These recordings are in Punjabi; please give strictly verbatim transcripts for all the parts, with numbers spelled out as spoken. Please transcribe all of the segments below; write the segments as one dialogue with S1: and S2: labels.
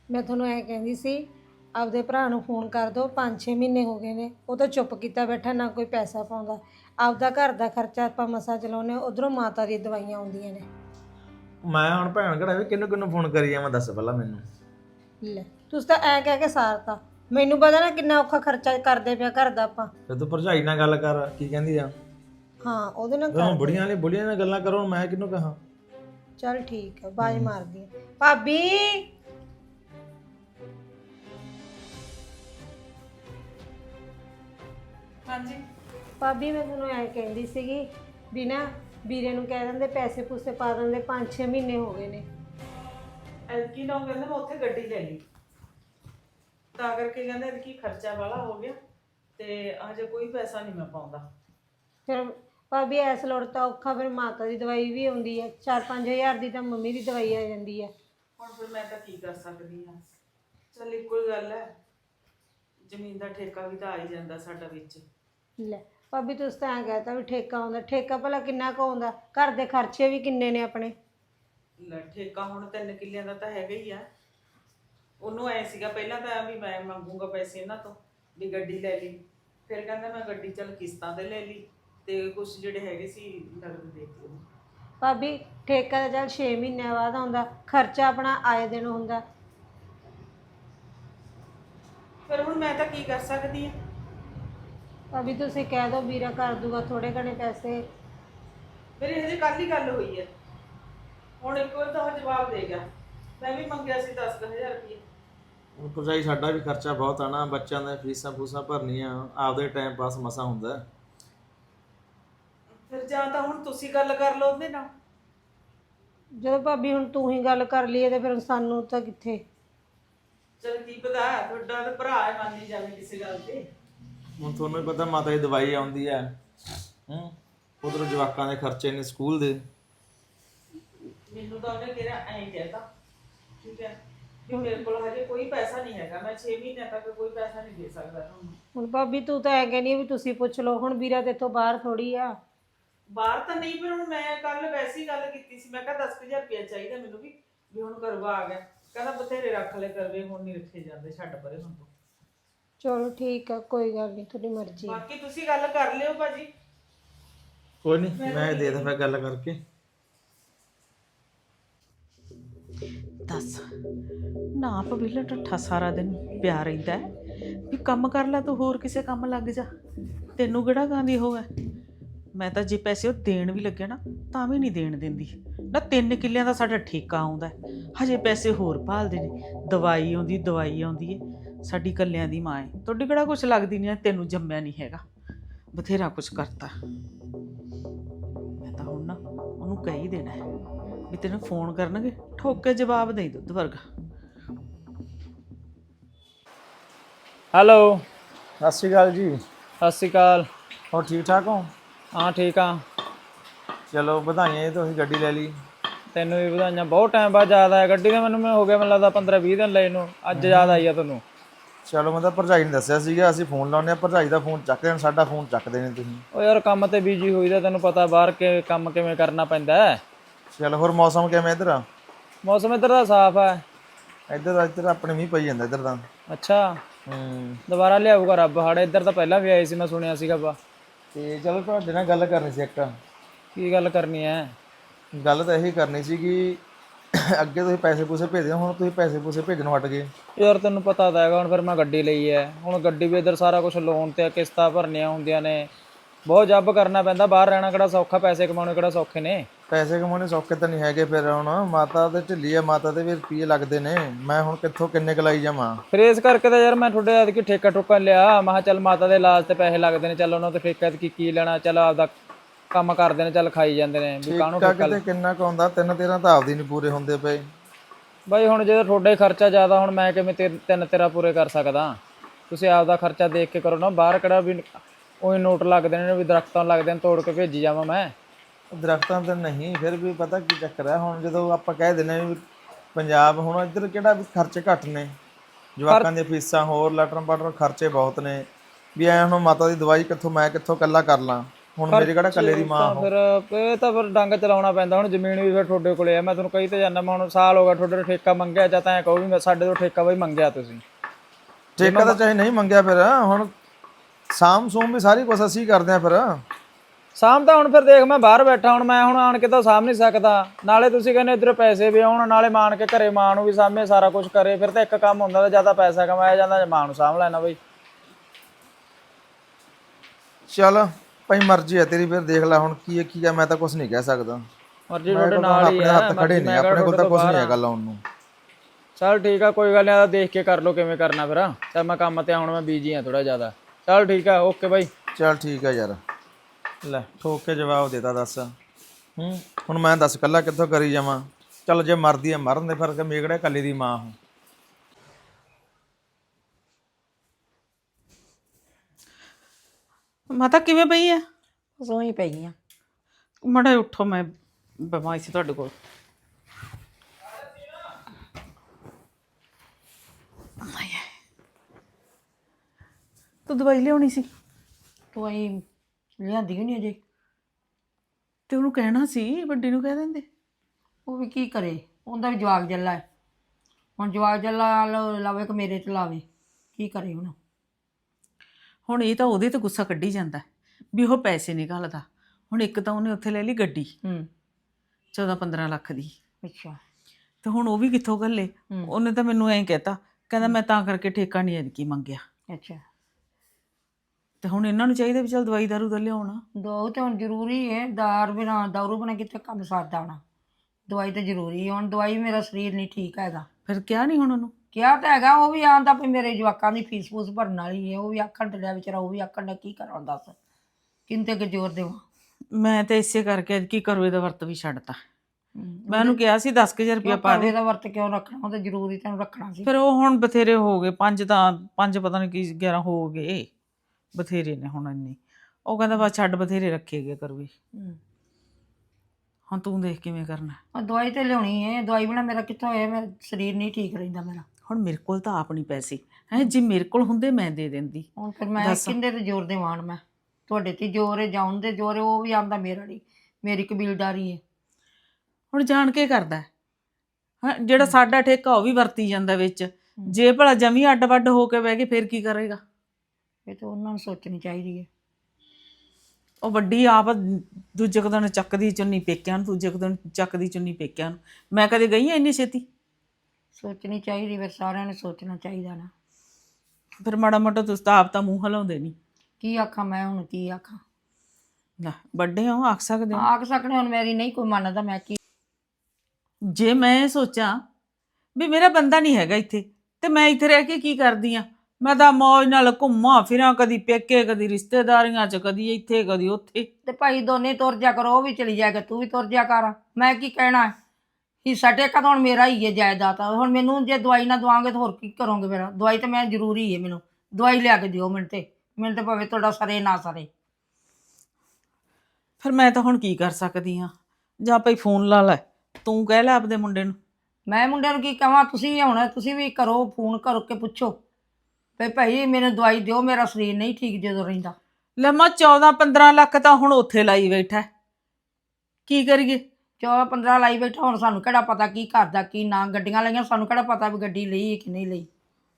S1: मैं थोनों ऐ कहंदी सी आपदे भरा नूं फोन कर दो। पाँच छे महीने हो गए ने वो तो चुप कीता बैठा, ना कोई पैसा पाउंदा। आपदा घर दा खर्चा आपां मसां चलाउने, उधरों माता दी दवाइयां आउंदियां ने।
S2: मैं हुण भैन घड़ा भी किन्नू किन्नू फोन करी जावां दस पहिलां मैनूं।
S1: ले तुसीं तां ऐ कह के सारता, मैनूं पता ना किन्ना औखा खर्चा करदे पिया घर दा आपां।
S2: ਫਿਰ ਤੂੰ ਭਰਜਾਈ ਨਾਲ ਗੱਲ ਕਰ ਕੀ ਕਹਿੰਦੀ ਆ।
S1: हाँ ਉਹਦੇ ਨਾਲ
S2: ਹੁਣ
S1: ਕਰ
S2: ਬੁੜੀਆਂ ਵਾਲੀ ਬੁੜੀਆਂ ਨਾਲ ਗੱਲਾਂ ਕਰੋ, ਮੈਂ ਕਿਹਨੂੰ ਕਹਾਂ।
S1: चल ठीक है, बाज मारदी आ। भाभी
S3: ਹਾਂਜੀ
S1: ਭਾਬੀ ਮੈਂ ਤੁਹਾਨੂੰ ਐ ਕਹਿੰਦੀ ਸੀਗੀ ਵੀ ਨਾ ਵੀਰੇ ਨੂੰ ਕਹਿ ਦਿੰਦੇ ਪੈਸੇ ਪੂਸੇ ਪਾ ਦਿੰਦੇ, ਪੰਜ ਛੇ ਮਹੀਨੇ ਹੋ ਗਏ ਨੇ।
S3: ਐਤਕੀ ਨਾ ਉਹ ਕਹਿੰਦੇ ਮੈਂ ਉੱਥੇ ਗੱਡੀ ਲੈ ਲਈ, ਤਾਂ ਕਰਕੇ ਕਹਿੰਦੇ ਐਤਕੀ ਖਰਚਾ ਵਾਲਾ ਹੋ ਗਿਆ ਤੇ ਹਜੇ ਕੋਈ ਪੈਸਾ ਨਹੀਂ ਮੈਂ ਪਾਉਂਦਾ।
S1: ਫਿਰ ਭਾਬੀ ਐਸ ਲੋੜ ਤਾਂ ਔਖਾ, ਫਿਰ ਮਾਤਾ ਦੀ ਦਵਾਈ ਵੀ ਆਉਂਦੀ ਹੈ, ਚਾਰ ਪੰਜ ਹਜ਼ਾਰ ਦੀ ਤਾਂ ਮੰਮੀ ਦੀ ਦਵਾਈ ਆ ਜਾਂਦੀ ਹੈ।
S3: ਹੁਣ ਫਿਰ ਮੈਂ ਤਾਂ ਕੀ ਕਰ ਸਕਦੀ ਹਾਂ। ਚੱਲ ਇੱਕੋ ਹੀ ਗੱਲ ਹੈ, ਜ਼ਮੀਨ ਦਾ ਠੇਕਾ ਵੀ ਤਾਂ ਆ ਹੀ ਜਾਂਦਾ ਸਾਡਾ ਵਿੱਚ।
S1: ਲੈ ਭਾਬੀ ਤੁਸੀਂ ਤਾਂ ਐਂ ਕਹਿਤਾ ਵੀ ਠੇਕਾ ਆਉਂਦਾ, ਠੇਕਾ ਭਲਾ ਕਿੰਨਾ ਕੁ ਆਉਂਦਾ? ਘਰ ਦੇ ਖਰਚੇ ਵੀ ਕਿੰਨੇ ਨੇ ਆਪਣੇ।
S3: ਲੈ ਠੇਕਾ ਹੁਣ ਤਿੰਨ ਕਿੱਲਿਆਂ ਦਾ ਤਾਂ ਹੈਗਾ ਹੀ ਆ। ਉਹਨੂੰ ਐ ਸੀਗਾ ਪਹਿਲਾਂ ਤਾਂ ਵੀ ਮੈਂ ਮੰਗੂਗਾ ਪੈਸੇ ਇਹਨਾਂ ਤੋਂ ਵੀ ਗੱਡੀ ਲੈ ਲਈ, ਫਿਰ ਕਹਿੰਦਾ ਮੈਂ ਗੱਡੀ ਚੱਲ ਕਿਸ਼ਤਾਂ ਤੇ ਲੈ ਲਈ ਤੇ ਕੁਝ ਜਿਹੜੇ ਹੈਗੇ ਸੀ ਨਗਦ ਦੇ ਦਿੱਤੇ ਉਹਨੂੰ।
S1: ਭਾਬੀ ਠੇਕਾ ਤਾਂ ਚੱਲ ਛੇ ਮਹੀਨਿਆਂ ਬਾਅਦ ਆਉਂਦਾ, ਖਰਚਾ ਆਪਣਾ ਆਏ ਦਿਨ ਹੁੰਦਾ।
S3: ਫਿਰ ਹੁਣ ਮੈਂ ਤਾਂ ਕੀ ਕਰ ਸਕਦੀ ਹਾਂ।
S1: ਭਾਬੀ ਤੁਸੀਂ ਕਹਿ ਦਿਓ ਵੀਰਾ ਕਰ ਦੂਗਾ ਥੋੜੇ ਘਣੇ ਪੈਸੇ।
S3: ਮੇਰੀ ਹਜੇ ਕੱਲ ਹੀ ਗੱਲ ਹੋਈ ਹੈ, ਹੁਣ ਇੱਕ ਵਾਰ ਤਾਂ ਉਹ ਜਵਾਬ ਦੇ ਗਿਆ। ਮੈਂ ਵੀ ਮੰਗਿਆ ਸੀ ਦਸ ਹਜ਼ਾਰ ਰੁਪਏ।
S2: ਹੁਣ ਭਰਜਾਈ ਸਾਡਾ ਵੀ ਖਰਚਾ ਬਹੁਤ ਆ ਨਾ, ਬੱਚਿਆਂ ਦੀਆਂ ਫੀਸਾਂ ਫੂਸਾਂ ਭਰਨੀਆਂ, ਆਪਦੇ ਟਾਈਮ ਪਾਸ ਮਸਾਂ ਹੁੰਦਾ।
S3: ਫਿਰ ਜਾਂ ਤਾਂ ਹੁਣ ਤੁਸੀਂ ਗੱਲ ਕਰ ਲਓ ਉਹਦੇ ਨਾਲ।
S1: ਜਦੋਂ ਭਾਬੀ ਹੁਣ ਤੂੰ ਹੀ ਗੱਲ ਕਰ ਲਈਏ ਤੇ ਫਿਰ ਸਾਨੂੰ ਤਾਂ ਕਿੱਥੇ।
S3: ਚਲ ਕੀ ਪਤਾ ਤੁਹਾਡਾ ਤਾਂ ਭਰਾ ਹੈ, ਮੰਨ ਨਹੀਂ ਜਾਵੇ ਕਿਸੇ ਗੱਲ ਤੇ।
S2: ਹੁਣ ਤੁਹਾਨੂੰ ਵੀ ਪਤਾ ਮਾਤਾ ਦੀ ਦਵਾਈ ਆਉਂਦੀ ਹੈ, ਹੂੰ ਉਧਰੋਂ ਜਵਾਕਾਂ ਦੇ ਖਰਚੇ ਨੇ ਸਕੂਲ ਦੇ।
S3: ਮੈਨੂੰ ਤਾਂ ਉਹਨੇ ਕਿਹਾ ਐਂ ਕਹਿਤਾ, ਠੀਕ ਹੈ ਵੀ ਮੇਰੇ ਕੋਲ ਹਜੇ ਕੋਈ ਪੈਸਾ ਨਹੀਂ ਹੈਗਾ, ਮੈਂ ਛੇ ਮਹੀਨਿਆਂ ਤੱਕ ਕੋਈ ਪੈਸਾ ਨਹੀਂ ਦੇ ਸਕਦਾ ਤੁਹਾਨੂੰ।
S1: ਹੁਣ ਭਾਬੀ ਤੂੰ ਤਾਂ ਐ ਕਹਿੰਦੀ ਵੀ ਤੁਸੀਂ ਪੁੱਛ ਲਓ, ਹੁਣ ਵੀਰਾ ਤੇ ਇੱਥੋਂ ਬਾਹਰ ਥੋੜੀ ਆ।
S3: ਬਾਹਰ ਤਾਂ ਨਹੀਂ, ਪਰ ਹੁਣ ਮੈਂ ਕੱਲ ਵੈਸੇ ਹੀ ਗੱਲ ਕੀਤੀ ਸੀ, ਮੈਂ ਕਿਹਾ ਦਸ ਹਜ਼ਾਰ ਰੁਪਇਆ ਚਾਹੀਦਾ ਮੈਨੂੰ ਵੀ ਵੀ ਹੁਣ ਕਰਵਾ ਆ ਗਿਆ। ਕਹਿੰਦਾ ਬਥੇਰੇ ਰੱਖ ਲੈ ਕਰਵੇ, ਹੁਣ ਨਹੀਂ ਰੱਖੇ ਜਾਂਦੇ, ਛੱਡ ਪਰੇ ਹੁਣ ਤੋਂ।
S1: ਚਲੋ ਠੀਕ ਆ, ਕੋਈ ਗੱਲ ਨਹੀਂ, ਤੁਹਾਡੀ ਮਰਜ਼ੀ ਆ।
S3: ਬਾਕੀ ਤੁਸੀਂ ਗੱਲ ਕਰ ਲਿਓ ਭਾਜੀ।
S2: ਕੋਈ ਨਹੀਂ ਮੈਂ ਦੇ ਦਾਂ ਫਿਰ ਗੱਲ ਕਰਕੇ।
S4: ਦੱਸ ਨਾ ਪਬੀਲਾ ਠੱਠਾ ਸਾਰਾ ਦਿਨ ਪਿਆ ਰਹਿੰਦਾ ਹੈ ਵੀ ਕੰਮ ਕਰ ਲੈ ਤੂੰ, ਹੋਰ ਕਿਸੇ ਕੰਮ ਲੱਗ ਜਾ, ਤੈਨੂੰ ਕਿਹੜਾ ਗਾਂਦੀ ਹੋਵੇ। ਮੈਂ ਤਾਂ ਜੇ ਪੈਸੇ ਉਹ ਦੇਣ ਵੀ ਲੱਗੇ ਨਾ ਤਾਂ ਵੀ ਨਹੀਂ ਦੇਣ ਦਿੰਦੀ ਨਾ। ਤਿੰਨ ਕਿੱਲਿਆਂ ਦਾ ਸਾਡਾ ਠੇਕਾ ਆਉਂਦਾ, ਹਜੇ ਪੈਸੇ ਹੋਰ ਭਾਲਦੇ ਨੇ। ਦਵਾਈ ਆਉਂਦੀ ਦਵਾਈ ਆਉਂਦੀ ਹੈ, ਸਾਡੀ ਕੱਲਿਆਂ ਦੀ ਮਾਂ ਹੈ, ਤੁਹਾਡੀ ਕਿਹੜਾ ਕੁਛ ਲੱਗਦੀ ਨਹੀਂ, ਤੈਨੂੰ ਜੰਮਿਆ ਨਹੀਂ ਹੈਗਾ, ਬਥੇਰਾ ਕੁਛ ਕਰਤਾ। ਮੈਂ ਤਾਂ ਹੁਣ ਨਾ ਉਹਨੂੰ ਕਹਿ ਹੀ ਦੇਣਾ ਹੈ ਵੀ ਤੈਨੂੰ ਫੋਨ ਕਰਨਗੇ, ਠੋਕ ਕੇ ਜਵਾਬ ਦੇ ਦੁੱਧ ਵਰਗਾ।
S5: ਹੈਲੋ,
S2: ਸਤਿ ਸ਼੍ਰੀ ਅਕਾਲ ਜੀ।
S5: ਸਤਿ ਸ਼੍ਰੀ ਅਕਾਲ।
S2: ਹੋਰ ਠੀਕ ਠਾਕ ਹੋ?
S5: ਹਾਂ ਠੀਕ ਆ।
S2: ਚਲੋ ਵਧਾਈਆਂ ਜੀ, ਤੁਸੀਂ ਗੱਡੀ ਲੈ ਲਈ।
S5: ਤੈਨੂੰ ਵੀ ਵਧਾਈਆਂ। ਬਹੁਤ ਟਾਈਮ ਬਾਅਦ ਯਾਦ ਆਇਆ ਗੱਡੀ ਦਾ, ਮੈਨੂੰ ਮੈਂ ਹੋ ਗਿਆ ਮੈਨੂੰ ਲੱਗਦਾ ਪੰਦਰਾਂ ਵੀਹ ਦਿਨ ਲਏ ਨੂੰ, ਅੱਜ ਯਾਦ ਆਈ ਆ ਤੁਹਾਨੂੰ।
S2: ਚਲੋ ਮੈਂ ਤਾਂ ਭਰਜਾਈ ਨੇ ਦੱਸਿਆ ਸੀਗਾ ਅਸੀਂ ਫੋਨ ਲਾਉਂਦੇ ਆ, ਭਰਜਾਈ ਦਾ ਫੋਨ ਚੱਕ ਦੇਣ, ਸਾਡਾ ਫੋਨ ਚੱਕਦੇ ਨੇ ਤੁਸੀਂ।
S5: ਉਹ ਯਾਰ ਕੰਮ ਤੇ ਬੀਜੀ ਹੋਈਦਾ, ਤੈਨੂੰ ਪਤਾ ਬਾਹਰ ਕੇ ਕੰਮ ਕਿਵੇਂ ਕਰਨਾ ਪੈਂਦਾ ਹੈ।
S2: ਚਲੋ ਹੋਰ ਮੌਸਮ ਕਿਵੇਂ ਇੱਧਰ ਆ?
S5: ਮੌਸਮ ਇੱਧਰ ਦਾ ਸਾਫ਼ ਹੈ।
S2: ਇੱਧਰ ਇੱਧਰ ਆਪਣੇ ਮੀਂਹ ਪਈ ਜਾਂਦਾ ਇੱਧਰ ਤਾਂ।
S5: ਅੱਛਾ,
S2: ਹੂੰ
S5: ਦੁਬਾਰਾ ਲਿਆਊਗਾ ਰੱਬ ਹੜ। ਇੱਧਰ ਤਾਂ ਪਹਿਲਾਂ ਵੀ ਆਏ ਸੀ, ਮੈਂ ਸੁਣਿਆ ਸੀਗਾ ਬਾ।
S2: ਤੇ ਚਲੋ ਤੁਹਾਡੇ ਨਾਲ ਗੱਲ ਕਰਨੀ ਸੀ ਇੱਕ।
S5: ਕੀ ਗੱਲ ਕਰਨੀ ਹੈ?
S2: ਗੱਲ ਤਾਂ ਇਹੀ ਕਰਨੀ ਸੀ ਕਿ ਅੱਗੇ ਤੁਸੀਂ ਪੈਸੇ ਪੂਸੇ ਭੇਜਦੇ, ਹੁਣ ਤੁਸੀਂ ਪੈਸੇ ਪੂਸੇ ਭੇਜਣੋਂ ਹਟ ਗਏ।
S5: ਯਾਰ ਤੈਨੂੰ ਪਤਾ ਤਾਂ ਹੈਗਾ, ਹੁਣ ਫਿਰ ਮੈਂ ਗੱਡੀ ਲਈ ਹੈ। ਹੁਣ ਗੱਡੀ ਵੀ ਇੱਧਰ ਸਾਰਾ ਕੁਝ ਲੋਨ ਤੇ ਕਿਸ਼ਤਾਂ ਭਰਨੀਆਂ ਹੁੰਦੀਆਂ ਨੇ, ਬਹੁਤ ਜੱਬ ਕਰਨਾ ਪੈਂਦਾ। ਬਾਹਰ ਰਹਿਣਾ ਕਿਹੜਾ ਸੌਖਾ, ਪੈਸੇ ਕਮਾਉਣੇ ਕਿਹੜਾ ਸੌਖੇ ਨੇ।
S2: ਪੈਸੇ ਕਮਾਉਣੇ ਸੌਖੇ ਤਾਂ ਨਹੀਂ ਹੈਗੇ। ਫਿਰ ਹੁਣ ਮਾਤਾ ਤੇ ਢਿੱਲੀ ਆ, ਮਾਤਾ ਦੇ ਵੀ ਰੁਪਈਏ ਲੱਗਦੇ ਨੇ, ਮੈਂ ਹੁਣ ਕਿੱਥੋਂ ਕਿੰਨੇ ਕੁ ਲਾਈ ਜਾਵਾਂ।
S5: ਫਿਰ ਇਸ ਕਰਕੇ ਤਾਂ ਯਾਰ ਮੈਂ ਤੁਹਾਡੇ ਐਤਕੀ ਠੇਕਾ ਠੁਕਾ ਲਿਆ। ਮੈਂ ਕਿਹਾ ਚੱਲ ਮਾਤਾ ਦੇ ਇਲਾਜ ਤੇ ਪੈਸੇ ਲੱਗਦੇ ਨੇ, ਚੱਲ ਉਹਨਾਂ ਤੋਂ ਠੇਕਾ ਕੀ ਕੀ ਲੈਣਾ, ਚੱਲ ਆਪਦਾ ਕੰਮ ਕਰਦੇ ਨੇ, ਚੱਲ ਖਾਈ ਜਾਂਦੇ ਨੇ ਵੀ ਕਾਹਨੂੰ ਠੇਕਾ।
S2: ਕਿਤੇ ਕਿੰਨਾ ਕੁ ਆਉਂਦਾ, ਤਿੰਨ ਤੇਰਾਂ ਤਾਂ ਆਪਦੀ ਨਹੀਂ ਪੂਰੇ ਹੁੰਦੇ ਪਏ।
S5: ਬਾਈ ਹੁਣ ਜਦੋਂ ਤੁਹਾਡਾ ਹੀ ਖਰਚਾ ਜ਼ਿਆਦਾ, ਹੁਣ ਮੈਂ ਕਿਵੇਂ ਤੇ ਤਿੰਨ ਤੇਰਾ ਪੂਰੇ ਕਰ ਸਕਦਾ। ਤੁਸੀਂ ਆਪਦਾ ਖਰਚਾ ਦੇਖ ਕੇ ਕਰੋ ਨਾ। ਬਾਹਰ ਕਿਹੜਾ ਵੀ ਉਹੀ ਨੋਟ ਲੱਗਦੇ ਨੇ ਵੀ ਦਰਖਤਾਂ ਲੱਗਦੇ ਨੇ, ਤੋੜ ਕੇ ਭੇਜੀ ਜਾਵਾਂ ਮੈਂ।
S2: ਦਰਖਤਾਂ ਤੇ ਨਹੀਂ, ਫਿਰ ਵੀ ਪਤਾ ਕੀ ਚੱਕਰ ਹੈ। ਹੁਣ ਜਦੋਂ ਆਪਾਂ ਕਹਿ ਦਿੰਦੇ ਵੀ ਪੰਜਾਬ, ਹੁਣ ਇੱਧਰ ਕਿਹੜਾ ਵੀ ਖਰਚੇ ਘੱਟ ਨੇ, ਜਵਾਕਾਂ ਦੀਆਂ ਫੀਸਾਂ ਹੋਰ ਲੈਟਰਨ ਪਾਟਰ ਖਰਚੇ ਬਹੁਤ ਨੇ। ਵੀ ਐ ਹੁਣ ਮਾਤਾ ਦੀ ਦਵਾਈ ਕਿੱਥੋਂ ਮੈਂ ਕਿੱਥੋਂ ਇਕੱਲਾ ਕਰ ਲਾਂ। ਹੁਣ ਮੇਰੇ ਕਿਹੜਾ ਇਕੱਲੇ ਦੀ ਮਾਂ
S5: ਤਾਂ
S2: ਉਹ।
S5: ਫਿਰ ਇਹ ਤਾਂ ਫਿਰ ਡੰਗ ਚਲਾਉਣਾ ਪੈਂਦਾ। ਹੁਣ ਜ਼ਮੀਨ ਵੀ ਫਿਰ ਤੁਹਾਡੇ ਕੋਲੇ ਆ। ਮੈਂ ਤੁਹਾਨੂੰ ਕਹੀ ਤੇ ਜਾਂਦਾ, ਮੈਂ ਹੁਣ ਸਾਲ ਹੋ ਗਿਆ ਤੁਹਾਡੇ ਤੋਂ ਠੇਕਾ ਮੰਗਿਆ, ਜਾਂ ਤਾਂ ਐਂ ਕਹੋ ਵੀ ਮੈਂ ਸਾਡੇ ਤੋਂ ਠੇਕਾ ਬਈ ਮੰਗਿਆ ਤੁਸੀਂ।
S2: ਠੇਕਾ ਤਾਂ ਚਾਹੇ ਨਹੀਂ ਮੰਗਿਆ, ਫਿਰ ਹੁਣ ਸਾਮ ਸੂਮ ਵੀ ਸਾਰੀ ਕੁਛ ਅਸੀਂ ਕਰਦੇ ਆ ਫਿਰ।
S5: ਸ਼ਾਮ ਤਾਂ ਹੁਣ ਫਿਰ ਦੇਖ ਮੈਂ ਬਾਹਰ ਬੈਠਾ, ਹੁਣ ਮੈਂ ਹੁਣ ਆਣ ਕੇ ਤਾਂ ਸਾਂਭ ਨਹੀਂ ਸਕਦਾ। ਨਾਲੇ ਤੁਸੀਂ ਕਹਿੰਦੇ ਇੱਧਰ ਪੈਸੇ ਵੀ ਆਉਣ, ਨਾਲੇ ਮਾਣ ਕੇ ਘਰੇ ਮਾਂ ਨੂੰ ਵੀ ਸਾਂਭੇ, ਸਾਰਾ ਕੁਝ ਕਰੇ। ਫਿਰ ਤਾਂ ਇੱਕ ਕੰਮ ਹੁੰਦਾ, ਤਾਂ ਜਿਆਦਾ ਪੈਸਾ ਕਮਾਇਆ ਜਾਂਦਾ ਜਾਂ ਮਾਂ ਨੂੰ ਸਾਂਭ ਲੈਣਾ ਬਈ।
S2: ਚੱਲ ਭਾਈ ਮਰਜ਼ੀ ਹੈ ਤੇਰੀ, ਫਿਰ ਦੇਖ ਲੈ ਹੁਣ ਕੀ ਹੈ ਕੀ ਹੈ। ਮੈਂ ਤਾਂ ਕੁਛ ਨਹੀਂ ਕਹਿ ਸਕਦਾ।
S5: ਮਰਜੀ
S2: ਮੇਰੇ
S5: ਤੁਹਾਡੇ
S2: ਕੋਲ
S5: ਨਾਲ ਹੀ
S2: ਆਪਣੇ
S5: ਆ,
S2: ਹੱਥ ਖੜੇ ਨੇ, ਆਪਣੇ ਕੋਲ ਤਾਂ ਕੁਛ ਨਹੀਂ ਹੈਗਾ ਲਾਉਣ ਨੂੰ।
S5: ਚੱਲ ਠੀਕ ਆ, ਕੋਈ ਗੱਲ ਨਹੀਂ, ਦੇਖ ਕੇ ਕਰ ਲਓ ਕਿਵੇਂ ਕਰਨਾ ਫਿਰ। ਚੱਲ ਮੈਂ ਕੰਮ ਤੇ ਆਉਣ, ਮੈਂ ਬੀਜੀ ਆ ਥੋੜਾ ਜ਼ਿਆਦਾ। ਚੱਲ ਠੀਕ ਆ, ਓਕੇ ਬਾਈ।
S2: ਚੱਲ ਠੀਕ ਹੈ ਯਾਰ, ਲੈ ਠੋਕ ਕੇ ਜਵਾਬ ਦੇਤਾ ਦੱਸ। ਹੂੰ ਹੁਣ ਮੈਂ ਦੱਸ ਕੱਲਾ ਕਿੱਥੋਂ ਕਰੀ ਜਾਵਾਂ। ਚੱਲ ਜੇ ਮਰਦੀ ਹੈ ਮਰਨ ਦੇ, ਫਿਰ ਮੇਗੜਾ ਕੱਲੇ ਦੀ ਮਾਂ ਉਹ।
S4: ਮਾਤਾ ਕਿਵੇਂ ਪਈ ਆ?
S6: ਸੋਈ ਪਈ ਆ।
S4: ਮੜਾ ਉੱਠੋ, ਮੈਂ ਬਿਮਾਰੀ ਸੀ ਤੁਹਾਡੇ ਕੋਲ। ਤੂੰ ਦਵਾਈ ਲਿਆਉਣੀ ਸੀ
S6: ਦਵਾਈ ਲਿਆਂਦੀ ਵੀ ਨਹੀਂ ਅਜੇ।
S4: ਤੇ ਉਹਨੂੰ ਕਹਿਣਾ ਸੀ, ਵੱਡੀ ਨੂੰ ਕਹਿ ਦਿੰਦੇ।
S6: ਉਹ ਵੀ ਕੀ ਕਰੇ, ਉਹਦਾ ਵੀ ਜਵਾਕ ਜੱਲਾ ਹੈ। ਹੁਣ ਜਵਾਕ ਜੱਲਾ ਲ- ਲਾਵੇ ਕਿ ਮੇਰੇ ਤੇ ਲਾਵੇ, ਕੀ ਕਰੇ ਹੁਣ।
S4: ਹੁਣ ਇਹ ਤਾਂ ਉਹਦੇ ਤੇ ਗੁੱਸਾ ਕੱਢੀ ਜਾਂਦਾ ਵੀ ਉਹ ਪੈਸੇ ਨਿਕਾਲਦਾ। ਹੁਣ ਇੱਕ ਤਾਂ ਉਹਨੇ ਉੱਥੇ ਲੈ ਲਈ ਗੱਡੀ
S6: ਹੂੰ
S4: ਚੌਦਾਂ ਪੰਦਰਾਂ ਲੱਖ ਦੀ,
S6: ਅੱਛਾ।
S4: ਤੇ ਹੁਣ ਉਹ ਵੀ ਕਿੱਥੋਂ ਘੱਲੇ।
S6: ਹੂੰ।
S4: ਉਹਨੇ ਤਾਂ ਮੈਨੂੰ ਐਂ ਕਹਿਤਾ, ਕਹਿੰਦਾ ਮੈਂ ਤਾਂ ਕਰਕੇ ਠੇਕਾ ਨਹੀਂ ਐਤਕੀ ਮੰਗਿਆ।
S6: ਅੱਛਾ,
S4: ਤੇ ਹੁਣ ਇਹਨਾਂ ਨੂੰ ਚਾਹੀਦਾ ਵੀ ਚੱਲ ਦਵਾਈ ਦਾਰੂ ਦਾ ਲਿਆਉਣਾ।
S6: ਦੋ ਤੇ ਹੁਣ ਜ਼ਰੂਰੀ ਹੈ। ਦਾਰ ਬਿਨਾ ਦਾਰੂ ਬਿਨਾ ਕਿੱਥੇ ਕੰਮ ਸਰਦਾ ਹੋਣਾ। ਦਵਾਈ ਤਾਂ ਜ਼ਰੂਰੀ ਹੈ। ਹੁਣ ਦਵਾਈ ਮੇਰਾ ਸਰੀਰ ਨਹੀਂ ਠੀਕ ਹੈਗਾ।
S4: ਫਿਰ ਕਿਹਾ ਨਹੀਂ ਹੁਣ ਉਹਨੂੰ?
S6: ਕਿਹਾ ਤਾਂ ਹੈਗਾ, ਉਹ ਵੀ ਆਂਦਾ ਵੀ ਮੇਰੇ ਜਵਾਕਾਂ ਦੀ ਫੀਸ ਫੂਸ ਭਰਨ ਵਾਲੀ ਹੈ। ਉਹ ਵੀ ਆਖਣ ਡਿਆ ਵਿਚਾਰਾ, ਉਹ ਵੀ ਆਖਣ ਡਿਆ ਕੀ ਕਰਾਂ ਦੱਸ, ਕਿੰਤੇ ਕੁ ਜ਼ੋਰ ਦੇਵਾਂ।
S4: ਮੈਂ ਤਾਂ ਇਸੇ ਕਰਕੇ ਅੱਜ ਕੀ ਕਰਵੇ ਦਾ ਵਰਤ ਵੀ ਛੱਡਤਾ। ਮੈਂ ਉਹਨੂੰ ਕਿਹਾ ਸੀ ਦਸ ਕੁ ਹਜ਼ਾਰ ਰੁਪਇਆ ਪਾ ਦੇ।
S6: ਇਹਦਾ ਵਰਤ ਕਿਉਂ ਰੱਖਣਾ, ਉਹ ਤਾਂ ਜ਼ਰੂਰੀ ਤੈਨੂੰ ਰੱਖਣਾ ਸੀ।
S4: ਫਿਰ ਉਹ ਹੁਣ ਬਥੇਰੇ ਹੋ ਗਏ, ਪੰਜ ਤਾਂ ਪੰਜ ਪਤਾ ਨਹੀਂ ਕੀ ਗਿਆਰਾਂ ਹੋ ਗਏ, ਬਥੇਰੇ ਨੇ ਹੁਣ ਇੰਨੇ। ਉਹ ਕਹਿੰਦਾ ਬਸ ਛੱਡ, ਬਥੇਰੇ ਰੱਖੇ ਗਏ ਕਰਵੇ।
S6: ਹੂੰ।
S4: ਹੁਣ ਤੂੰ ਦੇਖ ਕਿਵੇਂ ਕਰਨਾ।
S6: ਆ ਦਵਾਈ ਤੇ ਲਿਆਉਣੀ ਹੈ। ਦਵਾਈ ਬਿਨਾ ਮੇਰਾ ਕਿੱਥੋਂ ਹੋਇਆ, ਮੇਰਾ ਸਰੀਰ ਨਹੀਂ ਠੀਕ ਰਹਿੰਦਾ ਮੇਰਾ।
S4: ਹੁਣ ਮੇਰੇ ਕੋਲ ਤਾਂ ਆਪ ਨਹੀਂ ਪੈਸੇ ਹੈ, ਜੇ ਮੇਰੇ ਕੋਲ ਹੁੰਦੇ ਮੈਂ ਦੇ ਦਿੰਦੀ।
S6: ਹੁਣ ਫਿਰ ਮੈਂ ਕਿੰਦੇ ਤੇ ਜ਼ੋਰ ਦੇਵਾਂ? ਮੈਂ ਤੁਹਾਡੇ ਤੇ ਜ਼ੋਰ ਹੈ, ਜਾਉਣ ਦੇ ਜ਼ੋਰ ਹੈ। ਉਹ ਵੀ ਆਂਦਾ ਮੇਰਾ ਨਹੀਂ, ਮੇਰੀ ਕਬੀਲਦਾਰੀ ਹੈ।
S4: ਹੁਣ ਜਾਣ ਕੇ ਕਰਦਾ ਹਾਂ, ਜਿਹੜਾ ਸਾਡਾ ਠੇਕਾ ਉਹ ਵੀ ਵਰਤੀ ਜਾਂਦਾ ਵਿੱਚ। ਜੇ ਭਲਾ ਜਮੀ ਅੱਡ ਵੱਡ ਹੋ ਕੇ ਬਹਿ ਗਏ ਫਿਰ ਕੀ ਕਰੇਗਾ?
S6: ਇਹ ਤਾਂ ਉਹਨਾਂ ਨੂੰ ਸੋਚਣੀ ਚਾਹੀਦੀ ਹੈ।
S4: ਉਹ ਵੱਡੀ ਆਪ ਦੂਜੇ ਕੁ ਦਿਨ ਚੱਕਦੀ ਚੁੰਨੀ ਪੇਕਿਆਂ ਨੂੰ, ਦੂਜੇ ਕੁ ਦਿਨ ਚੱਕਦੀ ਚੁੰਨੀ ਪੇਕਿਆਂ ਨੂੰ। ਮੈਂ ਕਦੇ ਗਈ ਹਾਂ ਇੰਨੀ ਛੇਤੀ?
S6: ਸੋਚਣੀ ਚਾਹੀਦੀ, ਫਿਰ ਸਾਰਿਆਂ ਨੇ ਸੋਚਣਾ ਚਾਹੀਦਾ ਨਾ।
S4: ਫਿਰ ਮਾੜਾ ਮੋਟਾ ਤੁਸੀਂ ਤਾਂ ਆਪ ਤਾਂ ਮੂੰਹ ਹਿਲਾਉਂਦੇ ਨਹੀਂ।
S6: ਕੀ ਆਖਾਂ ਮੈਂ ਹੁਣ, ਕੀ ਆਖਾਂ?
S4: ਲੈ ਵੱਡੇ ਹੋ, ਆਖ ਸਕਦੇ ਹੋ।
S6: ਆਖ ਸਕਣੇ, ਹੁਣ ਮੇਰੀ ਨਹੀਂ ਕੋਈ ਮੰਨਦਾ, ਮੈਂ ਕੀ।
S4: ਜੇ ਮੈਂ ਸੋਚਾਂ ਵੀ ਮੇਰਾ ਬੰਦਾ ਨਹੀਂ ਹੈਗਾ ਇੱਥੇ, ਤੇ ਮੈਂ ਇੱਥੇ ਰਹਿ ਕੇ ਕੀ ਕਰਦੀ ਆ? ਮੈਂ ਤਾਂ ਮੌਜ ਨਾਲ ਘੁੰਮਾਂ ਫਿਰਾਂ, ਕਦੀ ਪੇਕੇ, ਕਦੀ ਰਿਸ਼ਤੇਦਾਰੀਆਂ 'ਚ, ਕਦੀ ਇੱਥੇ ਕਦੀ ਉੱਥੇ।
S6: ਤੇ ਭਾਈ ਦੋਨੇ ਤੁਰ ਜਾ ਕਰੋ, ਉਹ ਵੀ ਚਲੀ ਜਾਏਗਾ, ਤੂੰ ਵੀ ਤੁਰ ਜਾ ਕਰ। ਮੈਂ ਕੀ ਕਹਿਣਾ ਹੈ? ਹਿੱਸਾ ਟੇਕਾ ਤਾਂ ਹੁਣ ਮੇਰਾ ਹੀ ਹੈ, ਜਾਇਦਾਦ। ਹੁਣ ਮੈਨੂੰ ਜੇ ਦਵਾਈ ਨਾ ਦਵਾਂਗੇ ਤਾਂ ਹੋਰ ਕੀ ਕਰੋਗੇ ਮੇਰਾ? ਦਵਾਈ ਤਾਂ ਮੈਂ ਜ਼ਰੂਰੀ ਹੈ, ਮੈਨੂੰ ਦਵਾਈ ਲਿਆ ਕੇ ਦਿਓ ਮੈਨੂੰ ਤੇ। ਮੈਨੂੰ ਤਾਂ ਭਾਵੇਂ ਤੁਹਾਡਾ ਸਰੇ ਨਾ ਸਰੇ।
S4: ਫਿਰ ਮੈਂ ਤਾਂ ਹੁਣ ਕੀ ਕਰ ਸਕਦੀ ਆ? ਜਾਂ ਭਾਈ ਫੋਨ ਲਾ ਲੈ, ਤੂੰ ਕਹਿ ਲੈ ਆਪਦੇ ਮੁੰਡੇ ਨੂੰ।
S6: ਮੈਂ ਮੁੰਡੇ ਨੂੰ ਕੀ ਕਹਾਂ? ਤੁਸੀਂ ਹੁਣ ਤੁਸੀਂ ਵੀ ਕਰੋ, ਫੋਨ ਕਰਕੇ ਪੁੱਛੋ ਵੀ ਭਾਈ ਮੈਨੂੰ ਦਵਾਈ ਦਿਓ, ਮੇਰਾ ਸਰੀਰ ਨਹੀਂ ਠੀਕ ਜਦੋਂ ਰਹਿੰਦਾ।
S4: ਲੈ ਮੈਂ ਚੌਦਾਂ ਪੰਦਰਾਂ ਲੱਖ ਤਾਂ ਹੁਣ ਉੱਥੇ ਲਾਈ ਬੈਠਾ, ਕੀ ਕਰੀਏ?
S6: ਚੌਦਾਂ ਪੰਦਰਾਂ ਲਾਈ ਬੈਠਾ। ਹੁਣ ਸਾਨੂੰ ਕਿਹੜਾ ਪਤਾ ਕੀ ਕਰਦਾ ਕੀ ਨਾ। ਗੱਡੀਆਂ ਲਈਆਂ, ਸਾਨੂੰ ਕਿਹੜਾ ਪਤਾ ਵੀ ਗੱਡੀ ਲਈ ਕਿ ਨਹੀਂ ਲਈ।